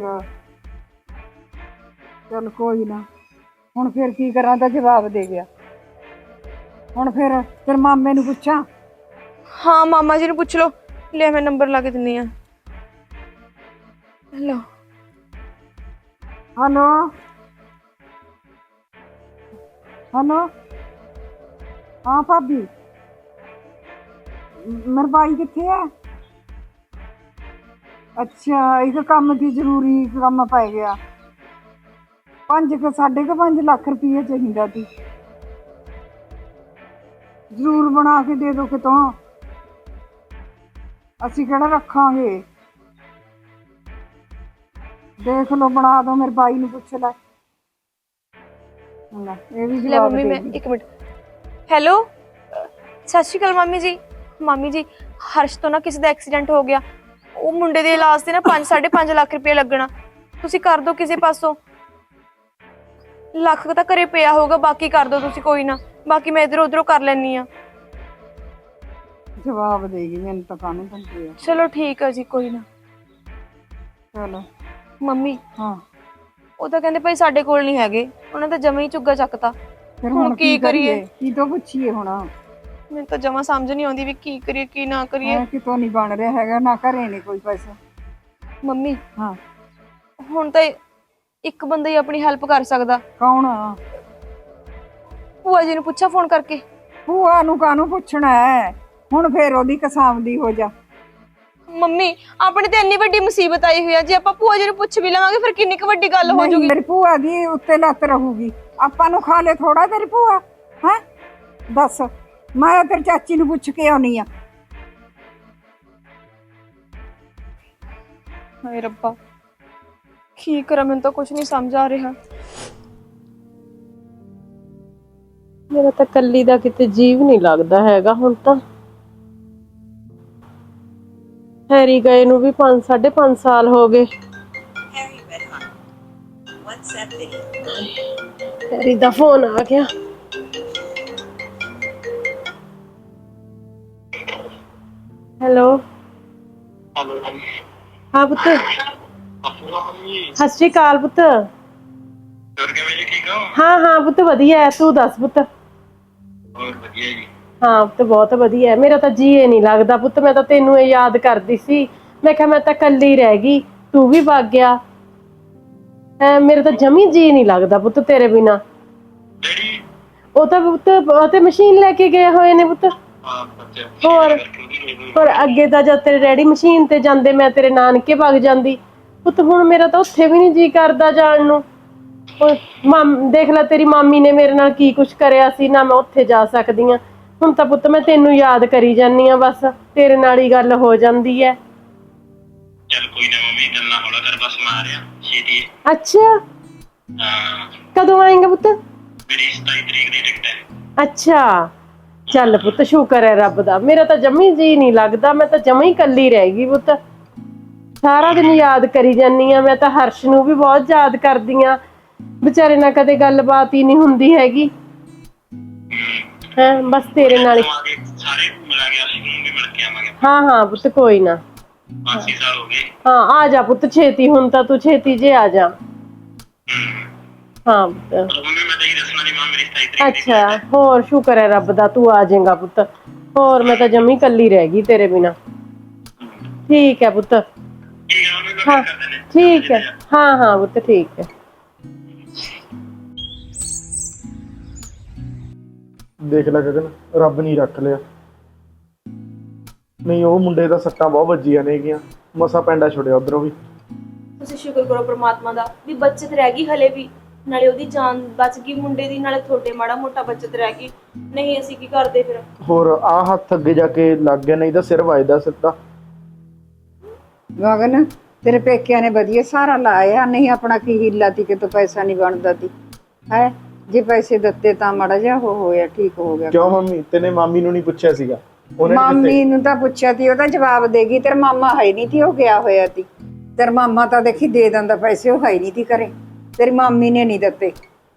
ਚੱਲ ਕੋਈ ਨਾ, ਹੁਣ ਫਿਰ ਕੀ ਕਰਾਂ? ਤਾਂ ਜਵਾਬ ਦੇ ਗਿਆ। ਹੁਣ ਫਿਰ ਤੇਰੇ ਮਾਮੇ ਨੂੰ ਪੁੱਛਾਂ? ਹਾਂ ਮਾਮਾ ਜੀ ਨੂੰ ਪੁੱਛ ਲਓ। ਲੈ ਮੈਂ ਨੰਬਰ ਲਾ ਕੇ ਦਿੰਨੀ ਆ। ਹੈਲੋ ਹੈਲੋ ਹੈਲੋ, ਹਾਂ ਭਾਬੀ, ਮੇਰਾ ਭਾਈ ਕਿੱਥੇ ਹੈ? ਅੱਛਾ ਇੱਕ ਕੰਮ ਦੀ ਜ਼ਰੂਰੀ ਕੰਮ ਪੈ ਗਿਆ, 5.5 ਲੱਖ ਰੁਪਏ ਚਾਹੀਦਾ ਸੀ। ਜ਼ਰੂਰ ਬਣਾ ਕੇ ਦੇ ਦੋ ਕਿਤੋਂ, ਅਸੀਂ ਕਿਹੜਾ ਰੱਖਾਂਗੇ। ਦੇਖ ਲਓ, ਬਣਾ ਦੋ, ਮੇਰੇ ਭਾਈ ਨੂੰ ਪੁੱਛ ਲੈ। ਇਹ ਵੀ ਲੈ ਮੰਮੀ, ਮੈਂ 1 ਮਿੰਟ। ਹੈਲੋ ਸਤਿ ਸ਼੍ਰੀ ਅਕਾਲ ਮਾਮੀ ਜੀ। ਮਾਮੀ ਜੀ ਹਰਸ਼ ਤੋਂ ਨਾ ਕਿਸੇ ਦਾ ਐਕਸੀਡੈਂਟ ਹੋ ਗਿਆ, ਉਹ ਮੁੰਡੇ ਦੇ ਇਲਾਜ ਤੇ ਨਾ 5.5 ਲੱਖ ਰੁਪਏ ਲੱਗਣਾ। ਤੁਸੀਂ ਕਰ ਦਿਓ ਕਿਸੇ ਪਾਸੋਂ। ਲੱਖ ਤਾਂ ਘਰੇ ਪਿਆ ਹੋਊਗਾ, ਬਾਕੀ ਕਰ ਦਿਓ ਤੁਸੀਂ, ਕੋਈ ਨਾ। ਬਾਕੀ ਮੈਂ ਇਧਰੋਂ ਉਧਰੋਂ ਕਰ ਲੈਣੀ ਆ। ਜਵਾਬ ਦੇਗੀ ਮੈਨੂੰ ਤਾਂ ਕਾਹਨੂੰ ਬੰਦੇ ਆ। ਚਲੋ ਠੀਕ ਹੈ ਜੀ, ਕੋਈ ਨਾ। ਚਲੋ ਮੰਮੀ ਹਾਂ, ਉਹ ਤਾਂ ਕਹਿੰਦੇ ਭਾਈ ਸਾਡੇ ਕੋਲ ਨਹੀਂ ਹੈਗੇ, ਉਹਨਾਂ ਤਾਂ ਜਮਾ ਹੀ ਝੁੱਗਾ ਚੱਕਤਾ। ਫਿਰ ਹੁਣ ਕੀ ਕਰੀਏ? ਕੀ ਤੋਂ ਪੁੱਛੀਏ ਹੁਣ? ਮੈਨੂੰ ਤਾਂ ਜਮਾ ਸਮਝ ਨਹੀਂ ਆਉਂਦੀ ਵੀ ਕੀ ਕਰੀਏ ਕੀ ਨਾ ਕਰੀਏ। ਕਿਤੋਂ ਨਹੀਂ ਬਣ ਰਿਹਾ ਹੈਗਾ, ਨਾ ਘਰੇ ਨਹੀਂ ਕੋਈ ਪੈਸਾ। ਮੰਮੀ ਹਾਂ ਹੁਣ ਤਾਂ ਇੱਕ ਬੰਦਾ ਹੀ ਆਪਣੀ ਹੈਲਪ ਕਰ ਸਕਦਾ। ਕੌਣ? ਭੂਆ ਜੀ ਨੂੰ ਪੁੱਛਾ ਫੋਨ ਕਰਕੇ। ਭੂਆ ਨੂੰ ਕਾਹਨੂੰ ਪੁੱਛਣਾ ਹੈ? ਹੁਣ ਫੇਰ ਉਹਦੀ ਕਸਾਮਦੀ ਹੋ ਜਾ। ਮੰਮੀ ਆਪਣੇ ਤੇ ਇੰਨੀ ਵੱਡੀ ਮੁਸੀਬਤ ਆਈ ਹੋਈ ਆ, ਜੇ ਆਪਾਂ ਭੂਆ ਜੀ ਨੂੰ ਪੁੱਛ ਵੀ ਲਵਾਂਗੇ ਫਿਰ ਕਿੰਨੀ ਕੁ ਵੱਡੀ ਗੱਲ ਹੋ ਨਹੀਂ, ਜੂਗੀ। ਮੇਰੀ ਭੂਆ ਦੀ ਉੱਤੇ ਲੱਤ ਰਹੂਗੀ, ਆਪਾਂ ਨੂੰ ਖਾ ਲੈ ਥੋੜਾ ਤੇਰੀ ਭੂਆ ਹੈ? ਦੱਸ, ਮੈਂ ਤੇਰੀ ਚਾਚੀ ਨੂੰ ਪੁੱਛ ਕੇ ਆਉਣੀ ਆ। ਹਾਏ ਰੱਬਾ, ਕੀ ਕਰਾਂ, ਮੈਨੂੰ ਤਾਂ ਕੁਝ ਨਹੀਂ ਸਮਝ ਆ ਰਿਹਾ। ਮੇਰਾ ਤਾਂ ਕੱਲੀ ਦਾ ਕਿਤੇ ਜੀਵ ਨਹੀਂ ਲੱਗਦਾ ਹੈਗਾ ਹੁਣ ਤਾਂ। ਹੈਰੀ ਗਏ ਨੂੰ ਵੀ 5.5 ਸਾਲ ਹੋ ਗਏ। ਹੈਰੀ ਦਾ ਫੋਨ ਆ ਗਿਆ। ਹੈਲੋ ਹਾਂ ਪੁੱਤ, ਸਤਿ ਸ਼੍ਰੀ ਅਕਾਲ ਪੁੱਤ। ਹਾਂ ਹਾਂ ਪੁੱਤ ਵਧੀਆ ਹੈ, ਤੂੰ ਦੱਸ ਪੁੱਤ। ਹਾਂ ਪੁੱਤ ਬਹੁਤ ਵਧੀਆ ਹੈ। ਮੇਰਾ ਤਾਂ ਜੀਏ ਨਹੀਂ ਲੱਗਦਾ ਪੁੱਤ, ਮੈਂ ਤਾਂ ਤੈਨੂੰ ਇਹ ਯਾਦ ਕਰਦੀ ਸੀ। ਮੈਂ ਕਿਹਾ ਮੈਂ ਤਾਂ ਕੱਲੀ ਰਹਿ ਗਈ, ਤੂੰ ਵੀ ਵਗ ਗਿਆ। ਮੇਰਾ ਤਾਂ ਜਮੀ ਜੀ ਨਹੀਂ ਲੱਗਦਾ ਪੁੱਤ ਤੇਰੇ ਬਿਨਾ। ਉਹ ਤਾਂ ਪੁੱਤ ਉਹ ਤੇ ਮਸ਼ੀਨ ਲੈ ਕੇ ਗਏ ਹੋਏ ਨੇ ਪੁੱਤ। ਹੋਰ ਅੱਗੇ ਤਾਂ ਜਦ ਤੇਰੇ ਡੈਡੀ ਮਸ਼ੀਨ ਤੇ ਜਾਂਦੇ ਮੈਂ ਤੇਰੇ ਨਾਨਕੇ ਵਗ ਜਾਂਦੀ ਪੁੱਤ। ਹੁਣ ਮੇਰਾ ਤਾਂ ਉੱਥੇ ਵੀ ਨਹੀਂ ਜੀ ਕਰਦਾ ਜਾਣ ਨੂੰ। ਦੇਖ ਲੈ ਤੇਰੀ ਮਾਮੀ ਨੇ ਮੇਰੇ ਨਾਲ ਕੀ ਕੁਛ ਕਰਿਆ ਸੀ, ਨਾ ਮੈਂ ਉੱਥੇ ਜਾ ਸਕਦੀ ਆ। ਹੁਣ ਤਾਂ ਪੁੱਤ ਮੈਂ ਤੈਨੂੰ ਯਾਦ ਕਰੀ ਜਾਨੀ ਆ, ਬਸ ਤੇਰੇ ਨਾਲ ਹੀ ਗੱਲ ਹੋ ਜਾਂਦੀ ਹੈ। ਚੱਲ ਕੋਈ ਨਾ ਮੰਮੀ, ਗੱਲਾਂ ਹੌਲਾ ਕਰ, ਬਸ ਮੈਂ ਆ ਰਿਹਾ ਛੇਤੀ। ਅੱਛਾ ਹਾਂ ਕਦੋਂ ਆਏਂਗਾ ਪੁੱਤ? ਮੇਰੀ 27 ਤਰੀਕ ਦੀ ਟਿਕਟ ਹੈ। ਅੱਛਾ ਚੱਲ ਪੁੱਤ, ਸ਼ੁਕਰ ਹੈ ਰੱਬ ਦਾ। ਮੇਰਾ ਤਾਂ ਜਮੀ ਜੀ ਨਹੀਂ ਲੱਗਦਾ, ਮੈਂ ਤਾਂ ਜਮੀ ਕੱਲੀ ਰਹਿ ਗਈ ਪੁੱਤ। ਸਾਰਾ ਦਿਨ ਯਾਦ ਕਰੀ ਜਾਨੀ ਆ। ਮੈਂ ਤਾਂ ਹਰਸ਼ ਨੂੰ ਵੀ ਬਹੁਤ ਯਾਦ ਕਰਦੀ ਆ, ਵਿਚਾਰੇ ਨਾਲ ਕਦੇ ਗੱਲਬਾਤ ਹੀ ਨਹੀਂ ਹੁੰਦੀ ਹੈਗੀ। ਹੈ ਬਸ ਤੇਰੇ ਨਾਲ ਸਾਰੇ ਮਿਲਾ ਗਿਆ ਸੀ, ਨੂੰ ਵੀ ਮਿਲ ਕੇ ਆਵਾਂਗੇ। ਹਾਂ ਹਾਂ ਪੁੱਤ ਕੋਈ ਨਾ। 5 ਸਾਲ ਹੋ ਗਏ। ਹਾਂ ਆ ਜਾ ਪੁੱਤ ਛੇਤੀ, ਹੁਣ ਤਾਂ ਤੂੰ ਛੇਤੀ ਜੇ ਆ ਜਾ। ਹਾਂ ਪੁੱਤ। ਮੰਮੀ ਮੈਂ ਤਾਂ ਇਹ ਦੱਸਣਾ ਨਹੀਂ ਮਾਂ ਮੇਰੀ 27 ਤਰੀਕ ਦੀ ਅੱਛਾ, ਹੋਰ ਸ਼ੁਕਰ ਹੈ ਰੱਬ ਦਾ, ਤੂੰ ਆ ਜਾਏਗਾ ਪੁੱਤ। ਹੋਰ ਮੈਂ ਤਾਂ ਜਮੀ ਕੱਲੀ ਰਹਿ ਗਈ ਤੇਰੇ ਬਿਨਾ। ਠੀਕ ਹੈ ਪੁੱਤ। ਠੀਕ ਆ ਮੰਮੀ ਹਾਂ ਕਰਦੇ ਨੇ ਠੀਕ ਹੈ, ਹਾਂ ਹਾਂ ਪੁੱਤ ਠੀਕ ਹੈ। ਦੇਖ ਲੈ ਗਗਨ, ਰੱਬ ਨਹੀਂ ਰੱਖ ਲਿਆ। ਨਹੀਂ ਉਹ ਮੁੰਡੇ ਦਾ ਸੱਟਾਂ ਬਹੁਤ ਵੱਜੀਆਂ ਨੇਗੀਆਂ, ਮਸਾ ਪੈਂਡਾ ਛੁੜਿਆ ਉਧਰੋਂ ਵੀ। ਤੁਸੀਂ ਸ਼ੁਕਰ ਕਰੋ ਪ੍ਰਮਾਤਮਾ ਦਾ ਵੀ ਬੱਚਤ ਰਹਿ ਗਈ ਹਲੇ ਵੀ, ਨਾਲੇ ਉਹਦੀ ਜਾਨ ਬਚ ਗਈ ਮੁੰਡੇ ਦੀ, ਨਾਲੇ ਤੁਹਾਡੇ ਮਾੜਾ ਮੋਟਾ ਬੱਚਤ ਰਹਿ ਗਈ। ਨਹੀਂ ਅਸੀਂ ਕੀ ਕਰਦੇ ਫਿਰ। ਹੋਰ ਆ ਹੱਥ ਅੱਗੇ ਜਾ ਕੇ ਲੱਗ ਗਿਆ, ਨਹੀਂ ਤਾਂ ਸਿਰ ਵੱਜਦਾ ਸਿੱਧਾ। ਗਗਨ ਤੇਰੇ ਪੇਕਿਆਂ ਨੇ ਵਧੀਆ ਸਾਰਾ ਲਾਇਆ, ਨਹੀਂ ਆਪਣਾ ਕੀ ਹੀਲਾ ਤੀ ਕਿਤੋਂ ਪੈਸਾ ਨਹੀਂ ਬਣਦਾ ਤੀ ਹੈ। ਜੇ ਪੈਸੇ ਦਿੱਤੇ ਤਾਂ ਮਾੜਾ ਜਿਹਾ ਹੋਇਆ, ਠੀਕ ਹੋ ਗਿਆ। ਕਿਉਂ ਮੰਮੀ, ਤੈਨੇ ਮਾਮੀ ਨੂੰ ਨਹੀਂ ਪੁੱਛਿਆ ਸੀਗਾ? ਉਹਨੇ ਨੀ ਦਿੱਤੇ? ਮਾਮੀ ਨੂੰ ਤਾਂ ਪੁੱਛਿਆ ਤੀ, ਉਹਦਾ ਜਵਾਬ ਦੇਗੀ। ਤੇਰਾ ਮਾਮਾ ਹੈ ਨਹੀਂ ਤੀ, ਉਹ ਗਿਆ ਹੋਇਆ ਤੀ। ਤੇਰਾ ਮਾਮਾ ਤਾਂ ਦੇਖੀ ਦੇ ਦਿੰਦਾ ਪੈਸੇ, ਉਹ ਹੈ ਨਹੀਂ ਤੀ ਘਰੇ। ਤੇਰੀ ਮਾਮੀ ਨੇ ਨਹੀਂ ਦਿੱਤੇ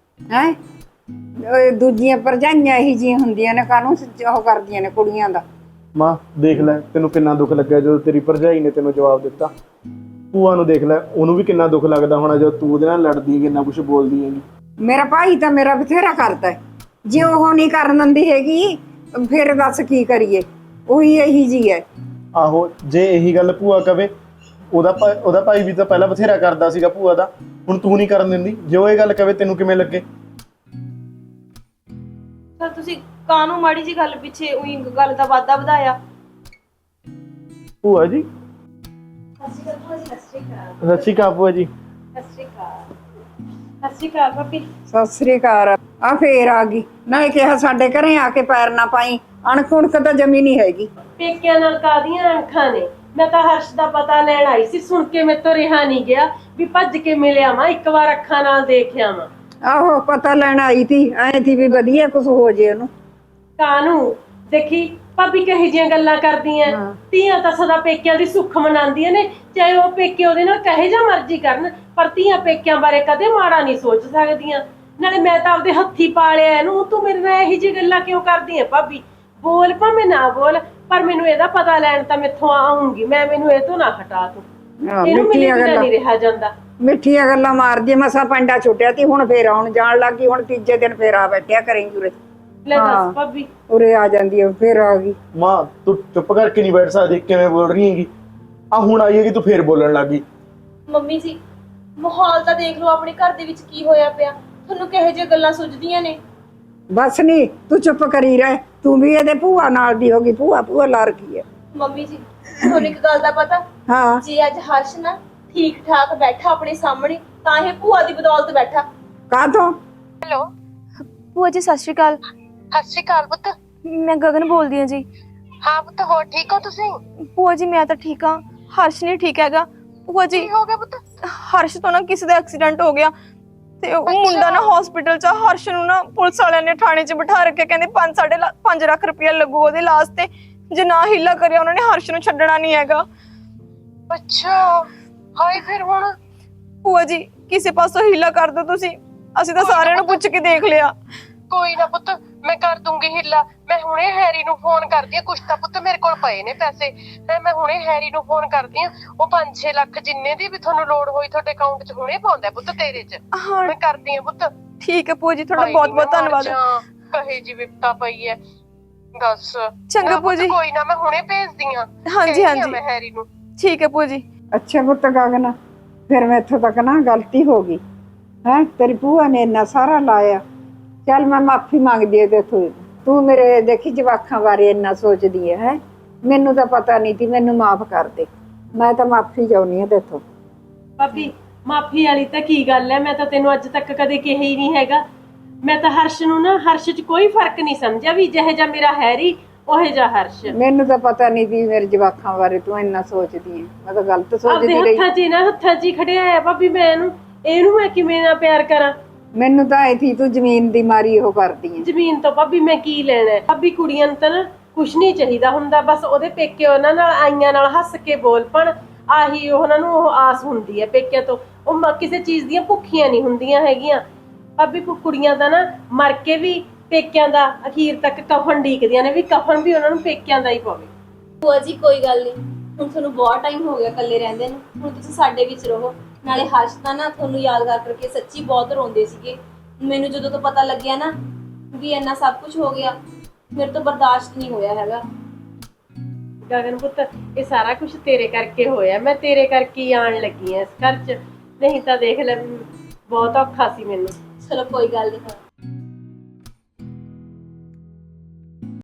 ਹੈ। ਦੂਜੀਆਂ ਭਰਜਾਈਆਂ ਇਹੀ ਜਿਹੀਆਂ ਹੁੰਦੀਆਂ ਨੇ, ਕਾਹਨੂੰ ਉਹ ਕਰਦੀਆਂ ਨੇ ਕੁੜੀਆਂ ਦਾ। ਮਾਂ ਦੇਖ ਲੈ, ਤੈਨੂੰ ਕਿੰਨਾ ਦੁੱਖ ਲੱਗਿਆ ਜਦੋਂ ਤੇਰੀ ਭਰਜਾਈ ਨੇ ਤੈਨੂੰ ਜਵਾਬ ਦਿੱਤਾ। ਭੂਆ ਨੂੰ ਦੇਖ ਲੈ, ਉਹਨੂੰ ਵੀ ਕਿੰਨਾ ਦੁੱਖ ਲੱਗਦਾ ਹੋਣਾ ਜਦੋਂ ਤੂੰ ਉਹਦੇ ਨਾਲ ਲੜਦੀ ਹੈ, ਕਿੰਨਾ ਕੁਝ ਬੋਲਦੀ ਹੈਗੀ। ਮੇਰਾ ਭਾਈ ਤਾਂ ਮੇਰਾ ਬਥੇਰਾ ਕਰਦਾ ਹੈ। ਜੇ ਉਹ ਨਹੀਂ ਕਰਨ ਦਿੰਦੀ ਹੈਗੀ ਫਿਰ ਦੱਸ ਕੀ ਕਰੀਏ। ਉਹੀ ਇਹੀ ਜੀ ਹੈ। ਆਹੋ, ਜੇ ਇਹੀ ਗੱਲ ਭੂਆ ਕਵੇ, ਉਹਦਾ ਭਾਈ ਵੀ ਤਾਂ ਪਹਿਲਾਂ ਬਥੇਰਾ ਕਰਦਾ ਸੀਗਾ ਭੂਆ ਦਾ, ਹੁਣ ਤੂੰ ਨਹੀਂ ਕਰਨ ਦਿੰਦੀ। ਜੇ ਉਹ ਇਹ ਗੱਲ ਕਵੇ ਤੈਨੂੰ ਕਿਵੇਂ ਲੱਗੇ? ਸਰ ਤੁਸੀਂ ਕਾਹਨੂੰ ਮਾੜੀ ਜੀ ਗੱਲ ਪਿੱਛੇ ਉਹੀ ਗੱਲ ਦਾ ਵਾਧਾ ਵਧਾਇਆ। ਭੂਆ ਜੀ ਸਤਿ ਸ਼੍ਰੀ ਅਕਾਲ ਸਤਿ ਸ਼੍ਰੀ ਅਕਾਲ ਭੂਆ ਜੀ। ਸਤਿ ਸ਼੍ਰੀ ਅਕਾਲ। ਸਤਿ ਸ਼੍ਰੀ ਅਕਾਲ ਭਾਬੀ। ਸਤਿ ਸ੍ਰੀ ਅਕਾਲ। ਆ ਫੇਰ ਆ ਗਈ ਨਾ, ਇਹ ਕਿਹਾ ਸਾਡੇ ਘਰੇ ਆ ਕੇ ਪੈਰ ਨਾ ਪਾਈ, ਅਣਖ ਉਣਖ ਤਾਂ ਜਮੀ ਨਹੀਂ ਹੈਗੀ। ਪੇਕਿਆਂ ਨਾਲ ਕਾਦੀਆਂ ਅੱਖਾਂ ਨੇ। ਮੈਂ ਤਾਂ ਹਰਸ਼ ਦਾ ਪਤਾ ਲੈਣ ਆਈ ਸੀ, ਸੁਣ ਕੇ ਮੇਰੇ ਤੋਂ ਰਿਹਾ ਨਹੀਂ ਗਿਆ ਵੀ ਭੱਜ ਕੇ ਮਿਲਿਆ ਵਾਂ, ਇੱਕ ਵਾਰ ਅੱਖਾਂ ਨਾਲ ਦੇਖਿਆ ਵਾਂ। ਆਹੋ ਪਤਾ ਲੈਣ ਆਈ ਤੀ, ਐ ਥੀ ਵੀ ਵਧੀਆ ਕੁਝ ਹੋ ਜੇ ਉਹਨੂੰ। ਕਾਨੂੰ ਦੇਖੀ ਭਾਬੀ ਕਹੀ ਜੀਆਂ ਗੱਲਾਂ ਕਰਦੀਆਂ। ਧੀਆਂ ਤਾਂ ਸਦਾ ਪੇਕਿਆਂ ਦੀ ਸੁੱਖ ਮਨਾਉਂਦੀਆਂ ਨੇ, ਚਾਹੇ ਉਹ ਪੇਕੇ ਉਹਦੇ ਨਾਲ ਕਹੇ ਜਾਂ ਮਰਜ਼ੀ ਕਰਨ, ਪਰ ਧੀਆਂ ਪੇਕਿਆਂ ਬਾਰੇ ਕਦੇ ਮਾੜਾ ਨਹੀਂ ਸੋਚ ਸਕਦੀਆਂ। ਨਾਲੇ ਮੈਂ ਤਾਂ ਆਪਦੇ ਹੱਥੀ ਪਾਲਿਆ ਇਹਨੂੰ, ਤੂੰ ਮੇਰੇ ਨਾਲ ਇਹੀ ਜਿਹੀ ਗੱਲਾਂ ਕਿਉਂ ਕਰਦੀ ਹੈ ਭਾਬੀ? ਬੋਲ ਭਾਵੇਂ ਨਾ ਬੋਲ, ਪਰ ਮੈਨੂੰ ਇਹਦਾ ਪਤਾ ਲੈਣ ਤਾਂ ਮੈਥੋਂ ਆਉਂਗੀ ਮੈਂ, ਮੈਨੂੰ ਇਹ ਤੋਂ ਨਾ ਹਟਾ ਤੂੰ। ਇਹਨੂੰ ਮੇਰੇ ਬਿਨਾਂ ਨਹੀਂ ਰਿਹਾ ਜਾਂਦਾ। ਮਿੱਠੀਆਂ ਗੱਲਾਂ ਮਾਰਦੀ, ਮਸਾ ਪੰਡਾ ਛੁੱਟਿਆ ਤੀ, ਹੁਣ ਫੇਰ ਆਉਣ ਜਾਣ ਲੱਗੀ। ਹੁਣ ਤੀਜੇ ਦਿਨ ਫੇਰ ਆ ਬੈਠਿਆ ਕਰੇ ਜੁਰੇ। ਲੈ ਦੱਸ ਭਾਬੀ। ਉਰੇ ਆ ਜਾਂਦੀ ਹੈ, ਫੇਰ ਆ ਗਈ। ਮਾਂ ਤੂੰ ਚੁੱਪ ਕਰਕੇ ਨਹੀਂ ਬੈਠ ਸਕਦੀ, ਕਿਵੇਂ ਬੋਲ ਰਹੀ ਹੈਗੀ? ਆ ਹੁਣ ਆਈ ਹੈਗੀ, ਤੂੰ ਫੇਰ ਬੋਲਣ ਲੱਗ ਗਈ। ਮੰਮੀ ਜੀ ਮਾਹੌਲ ਤਾਂ ਦੇਖ ਲਓ ਆਪਣੇ ਘਰ ਦੇ ਵਿੱਚ ਕੀ ਹੋਇਆ ਪਿਆ, ਤੁਹਾਨੂੰ ਕਿਹੋ ਜਿਹੀਆਂ ਗੱਲਾਂ ਸੁਝਦੀਆਂ ਨੇ। ਬਸ ਨਹੀਂ ਤੂੰ ਚੁੱਪ ਕਰੀ ਰਹਿ, ਤੂੰ ਵੀ ਇਹਦੇ ਭੂਆ ਨਾਲ ਦੀ ਹੋ ਗਈ। ਭੂਆ ਲਾ ਰੱਖੀ ਹੈ। ਮੰਮੀ ਜੀ ਤੁਹਾਨੂੰ ਇੱਕ ਗੱਲ ਦਾ ਪਤਾ, ਹਾਂ ਜੇ ਅੱਜ ਹਰਸ਼ ਨਾ ਠੀਕ ਠਾਕ ਬੈਠਾ ਆਪਣੇ ਸਾਹਮਣੇ, ਤਾਂ ਇਹ ਭੂਆ ਦੀ ਬਦੌਲਤ ਬੈਠਾ। ਕਾਹਤੋਂ? ਹੈਲੋ ਭੂਆ ਜੀ ਸਤਿ ਸ਼੍ਰੀ ਅਕਾਲ। ਸਤਿ ਸ਼੍ਰੀ ਅਕਾਲ ਪੁੱਤ। ਮੈਂ ਗਗਨ ਬੋਲਦੀ ਹਾਂ ਜੀ। ਹਾਂ ਪੁੱਤ, ਹੋਰ ਠੀਕ ਹੋ ਤੁਸੀਂ? ਭੂਆ ਜੀ ਮੈਂ ਤਾਂ ਠੀਕ ਹਾਂ, ਹਰਸ਼ ਨਹੀਂ ਠੀਕ ਹੈਗਾ। ਭੂਆ ਜੀ ਕੀ ਹੋ ਗਿਆ ਪੁੱਤ? ਹਰਸ਼ ਤੋਂ ਨਾ ਕਿਸੇ ਦਾ ਐਕਸੀਡੈਂਟ ਹੋ ਗਿਆ ਤੇ ਉਹ ਮੁੰਡਾ ਨਾ ਹਸਪੀਟਲ ਚ। ਹਰਸ਼ ਨੂੰ ਨਾ ਪੁਲਿਸ ਵਾਲਿਆਂ ਨੇ ਥਾਣੇ 'ਚ ਬਿਠਾ ਰੱਖਿਆ, ਕਹਿੰਦੇ 5 ਲੱਖ ਰੁਪਇਆ ਲੱਗੂ ਉਹਦੇ ਇਲਾਜ ਤੇ, ਜੇ ਨਾ ਹੀਲਾ ਕਰਿਆ ਉਹਨਾਂ ਨੇ ਹਰਸ਼ ਨੂੰ ਛੱਡਣਾ ਨਹੀਂ ਹੈਗਾ। ਅੱਛਾ ਹਾਏ, ਫਿਰ ਹੁਣ? ਭੂਆ ਜੀ ਕਿਸੇ ਪਾਸੋਂ ਹੀਲਾ ਕਰ ਦਿਓ ਤੁਸੀਂ, ਅਸੀਂ ਤਾਂ ਸਾਰਿਆਂ ਨੂੰ ਪੁੱਛ ਕੇ ਦੇਖ ਲਿਆ। ਕੋਈ ਨਾ ਪੁੱਤ, ਮੈਂ ਕਰ ਦੂੰਗੀ ਹਿੱਲਾ। ਮੈਂ ਹੁਣੇ ਹੈਰੀ ਨੂੰ ਫੋਨ ਕਰਦੀ ਆ, ਕੁਛ ਤਾਂ ਪੁੱਤ ਮੇਰੇ ਕੋਲ ਪਏ ਨੇ ਪੈਸੇ। ਮੈਂ ਹੁਣੇ ਹੈਰੀ ਨੂੰ ਫੋਨ ਕਰਦੀ ਆ, ਉਹ 5-6 ਲੱਖ ਜਿੰਨੇ ਦੀ ਵੀ ਤੁਹਾਨੂੰ ਲੋੜ ਹੋਈ ਤੁਹਾਡੇ ਅਕਾਊਂਟ 'ਚ ਹੁਣੇ ਪਾਉਂਦਾ ਪੁੱਤ ਤੇਰੇ 'ਚ। ਮੈਂ ਕਰਦੀ ਆ ਪੁੱਤ। ਠੀਕ ਹੈ ਭੂਆ ਜੀ, ਤੁਹਾਡਾ ਬਹੁਤ ਬਹੁਤ ਧੰਨਵਾਦ। ਕਹੇ ਜੀ ਵਿਪਤਾ ਪਈ ਹੈ ਦੱਸ। ਚੰਗਾ ਭੂਆ ਜੀ। ਕੋਈ ਨਾ, ਮੈਂ ਹੁਣੇ ਭੇਜਦੀ ਆ। ਹਾਂਜੀ ਹਾਂਜੀ ਮੈਂ ਹੈਰੀ ਨੂੰ। ਠੀਕ ਹੈ ਭੂਆ ਜੀ। ਅੱਛਾ ਪੁੱਤ ਗਗਨ, ਫਿਰ ਮੈਂ ਇੱਥੋਂ ਤੱਕ ਨਾ ਗਲਤੀ ਹੋ ਗਈ ਹੈ। ਤੇਰੀ ਭੂਆ ਨੇ ਇੰਨਾ ਸਾਰਾ ਲਾਇਆ, ਚੱਲ ਮੈਂ ਮਾਫੀ ਮੰਗਦੀ ਹਾਂ ਤੇਥੋਂ। ਤੂੰ ਮੇਰੇ ਦੇਖੀ ਜਵਾਕਾਂ ਬਾਰੇ ਇੰਨਾ ਸੋਚਦੀ ਹੈ। ਮੈਨੂੰ ਤਾਂ ਪਤਾ ਨਹੀਂ ਤੀ, ਮੈਨੂੰ ਮਾਫ ਕਰ ਦੇ। ਮੈਂ ਤਾਂ ਮਾਫੀ ਚਾਹੁੰਦੀ ਹਾਂ ਤੇਥੋਂ। ਭਾਬੀ ਮਾਫੀ ਵਾਲੀ ਤਾਂ ਕੀ ਗੱਲ ਹੈ, ਮੈਂ ਤਾਂ ਤੈਨੂੰ ਅੱਜ ਤੱਕ ਕਦੇ ਕਿਹਾ ਹੀ ਨਹੀਂ ਹੈਗਾ। ਮੈਂ ਤਾਂ ਹਰਸ਼ ਨੂੰ ਨਾ, ਹਰਸ਼ 'ਚ ਕੋਈ ਫਰਕ ਨਹੀਂ ਸਮਝਿਆ ਵੀ ਜਿਹੇ ਜਿਹਾ ਮੇਰਾ ਹੈਰੀ ਉਹੇ ਜਿਹਾ ਹਰਸ਼। ਮੈਨੂੰ ਤਾਂ ਪਤਾ ਨਹੀਂ ਤੀ ਮੇਰੇ ਜਵਾਕਾਂ ਬਾਰੇ ਤੂੰ ਇੰਨਾ ਸੋਚਦੀ ਹੈ। ਮੈਂ ਤਾਂ ਗਲਤ ਸੋਚਦੀ ਆਪਦੇ ਰਹੀ। ਹੱਥਾਂ 'ਚ ਹੀ ਖੜਿਆ ਹੈ ਭਾਬੀ। ਮੈਂ ਇਹਨੂੰ ਮੈਂ ਕਿਵੇਂ ਨਾ ਪਿਆਰ ਕਰਾਂ? ਮੈਨੂੰ ਤਾਂ ਐ ਥੀ ਤੂੰ ਜ਼ਮੀਨ ਦੀ ਮਾਰੀ ਉਹ ਕਰਦੀ ਹੈ। ਜ਼ਮੀਨ ਤੋਂ ਭਾਬੀ ਮੈਂ ਕੀ ਲੈਣਾ ਹੈ? ਭਾਬੀ ਕੁੜੀਆਂ ਨੂੰ ਤਾਂ ਨਾ ਕੁਛ ਨਹੀਂ ਚਾਹੀਦਾ ਹੁੰਦਾ, ਬਸ ਉਹਦੇ ਪੇਕੇ ਉਹਨਾਂ ਨਾਲ ਆਈਆਂ ਨਾਲ ਹੱਸ ਕੇ ਬੋਲ ਪਣ, ਆਹੀ ਉਹਨਾਂ ਨੂੰ ਉਹ ਆਸ ਹੁੰਦੀ ਹੈ ਪੇਕਿਆਂ ਤੋਂ। ਉਹ ਕਿਸੇ ਚੀਜ਼ ਦੀਆਂ ਭੁੱਖੀਆਂ ਨਹੀਂ ਹੁੰਦੀਆਂ ਹੈਗੀਆਂ ਭਾਬੀ। ਕੁੜੀਆਂ ਦਾ ਨਾ ਮਰ ਕੇ ਵੀ ਪੇਕਿਆਂ ਦਾ ਅਖੀਰ ਤੱਕ ਕਫਨ ਢੀਕਦੀਆਂ ਨੇ, ਵੀ ਕਫਨ ਵੀ ਉਹਨਾਂ ਨੂੰ ਪੇਕਿਆਂ ਦਾ ਹੀ ਪਵੇ। ਭੂਆ ਜੀ ਕੋਈ ਗੱਲ ਨਹੀਂ, ਹੁਣ ਤੁਹਾਨੂੰ ਬਹੁਤ ਟਾਈਮ ਹੋ ਗਿਆ ਇਕੱਲੇ ਰਹਿੰਦੇ ਨੂੰ, ਹੁਣ ਤੁਸੀਂ ਸਾਡੇ ਵਿੱਚ ਰਹੋ, ਨਾਲੇ ਹਰਸ਼ ਤਾਂ ਨਾ ਤੁਹਾਨੂੰ ਯਾਦ ਕਰ ਕਰਕੇ ਸੱਚੀ ਬਹੁਤ ਰੋਂਦੇ ਸੀਗੇ। ਮੈਨੂੰ ਜਦੋਂ ਤੋਂ ਪਤਾ ਲੱਗਿਆ ਨਾ ਵੀ ਇੰਨਾ ਸਭ ਕੁਝ ਹੋ ਗਿਆ, ਮੇਰੇ ਤੋਂ ਬਰਦਾਸ਼ਤ ਨਹੀਂ ਹੋਇਆ ਹੈਗਾ। ਗਗਨ ਪੁੱਤ, ਇਹ ਸਾਰਾ ਕੁਝ ਤੇਰੇ ਕਰਕੇ ਹੋਇਆ। ਮੈਂ ਤੇਰੇ ਕਰਕੇ ਹੀ ਆਣ ਲੱਗੀ ਆ ਇਸ ਘਰ 'ਚ, ਨਹੀਂ ਤਾਂ ਦੇਖ ਲੈ ਬਹੁਤ ਔਖਾ ਸੀ ਮੈਨੂੰ। ਚਲੋ ਕੋਈ ਗੱਲ ਨਹੀਂ।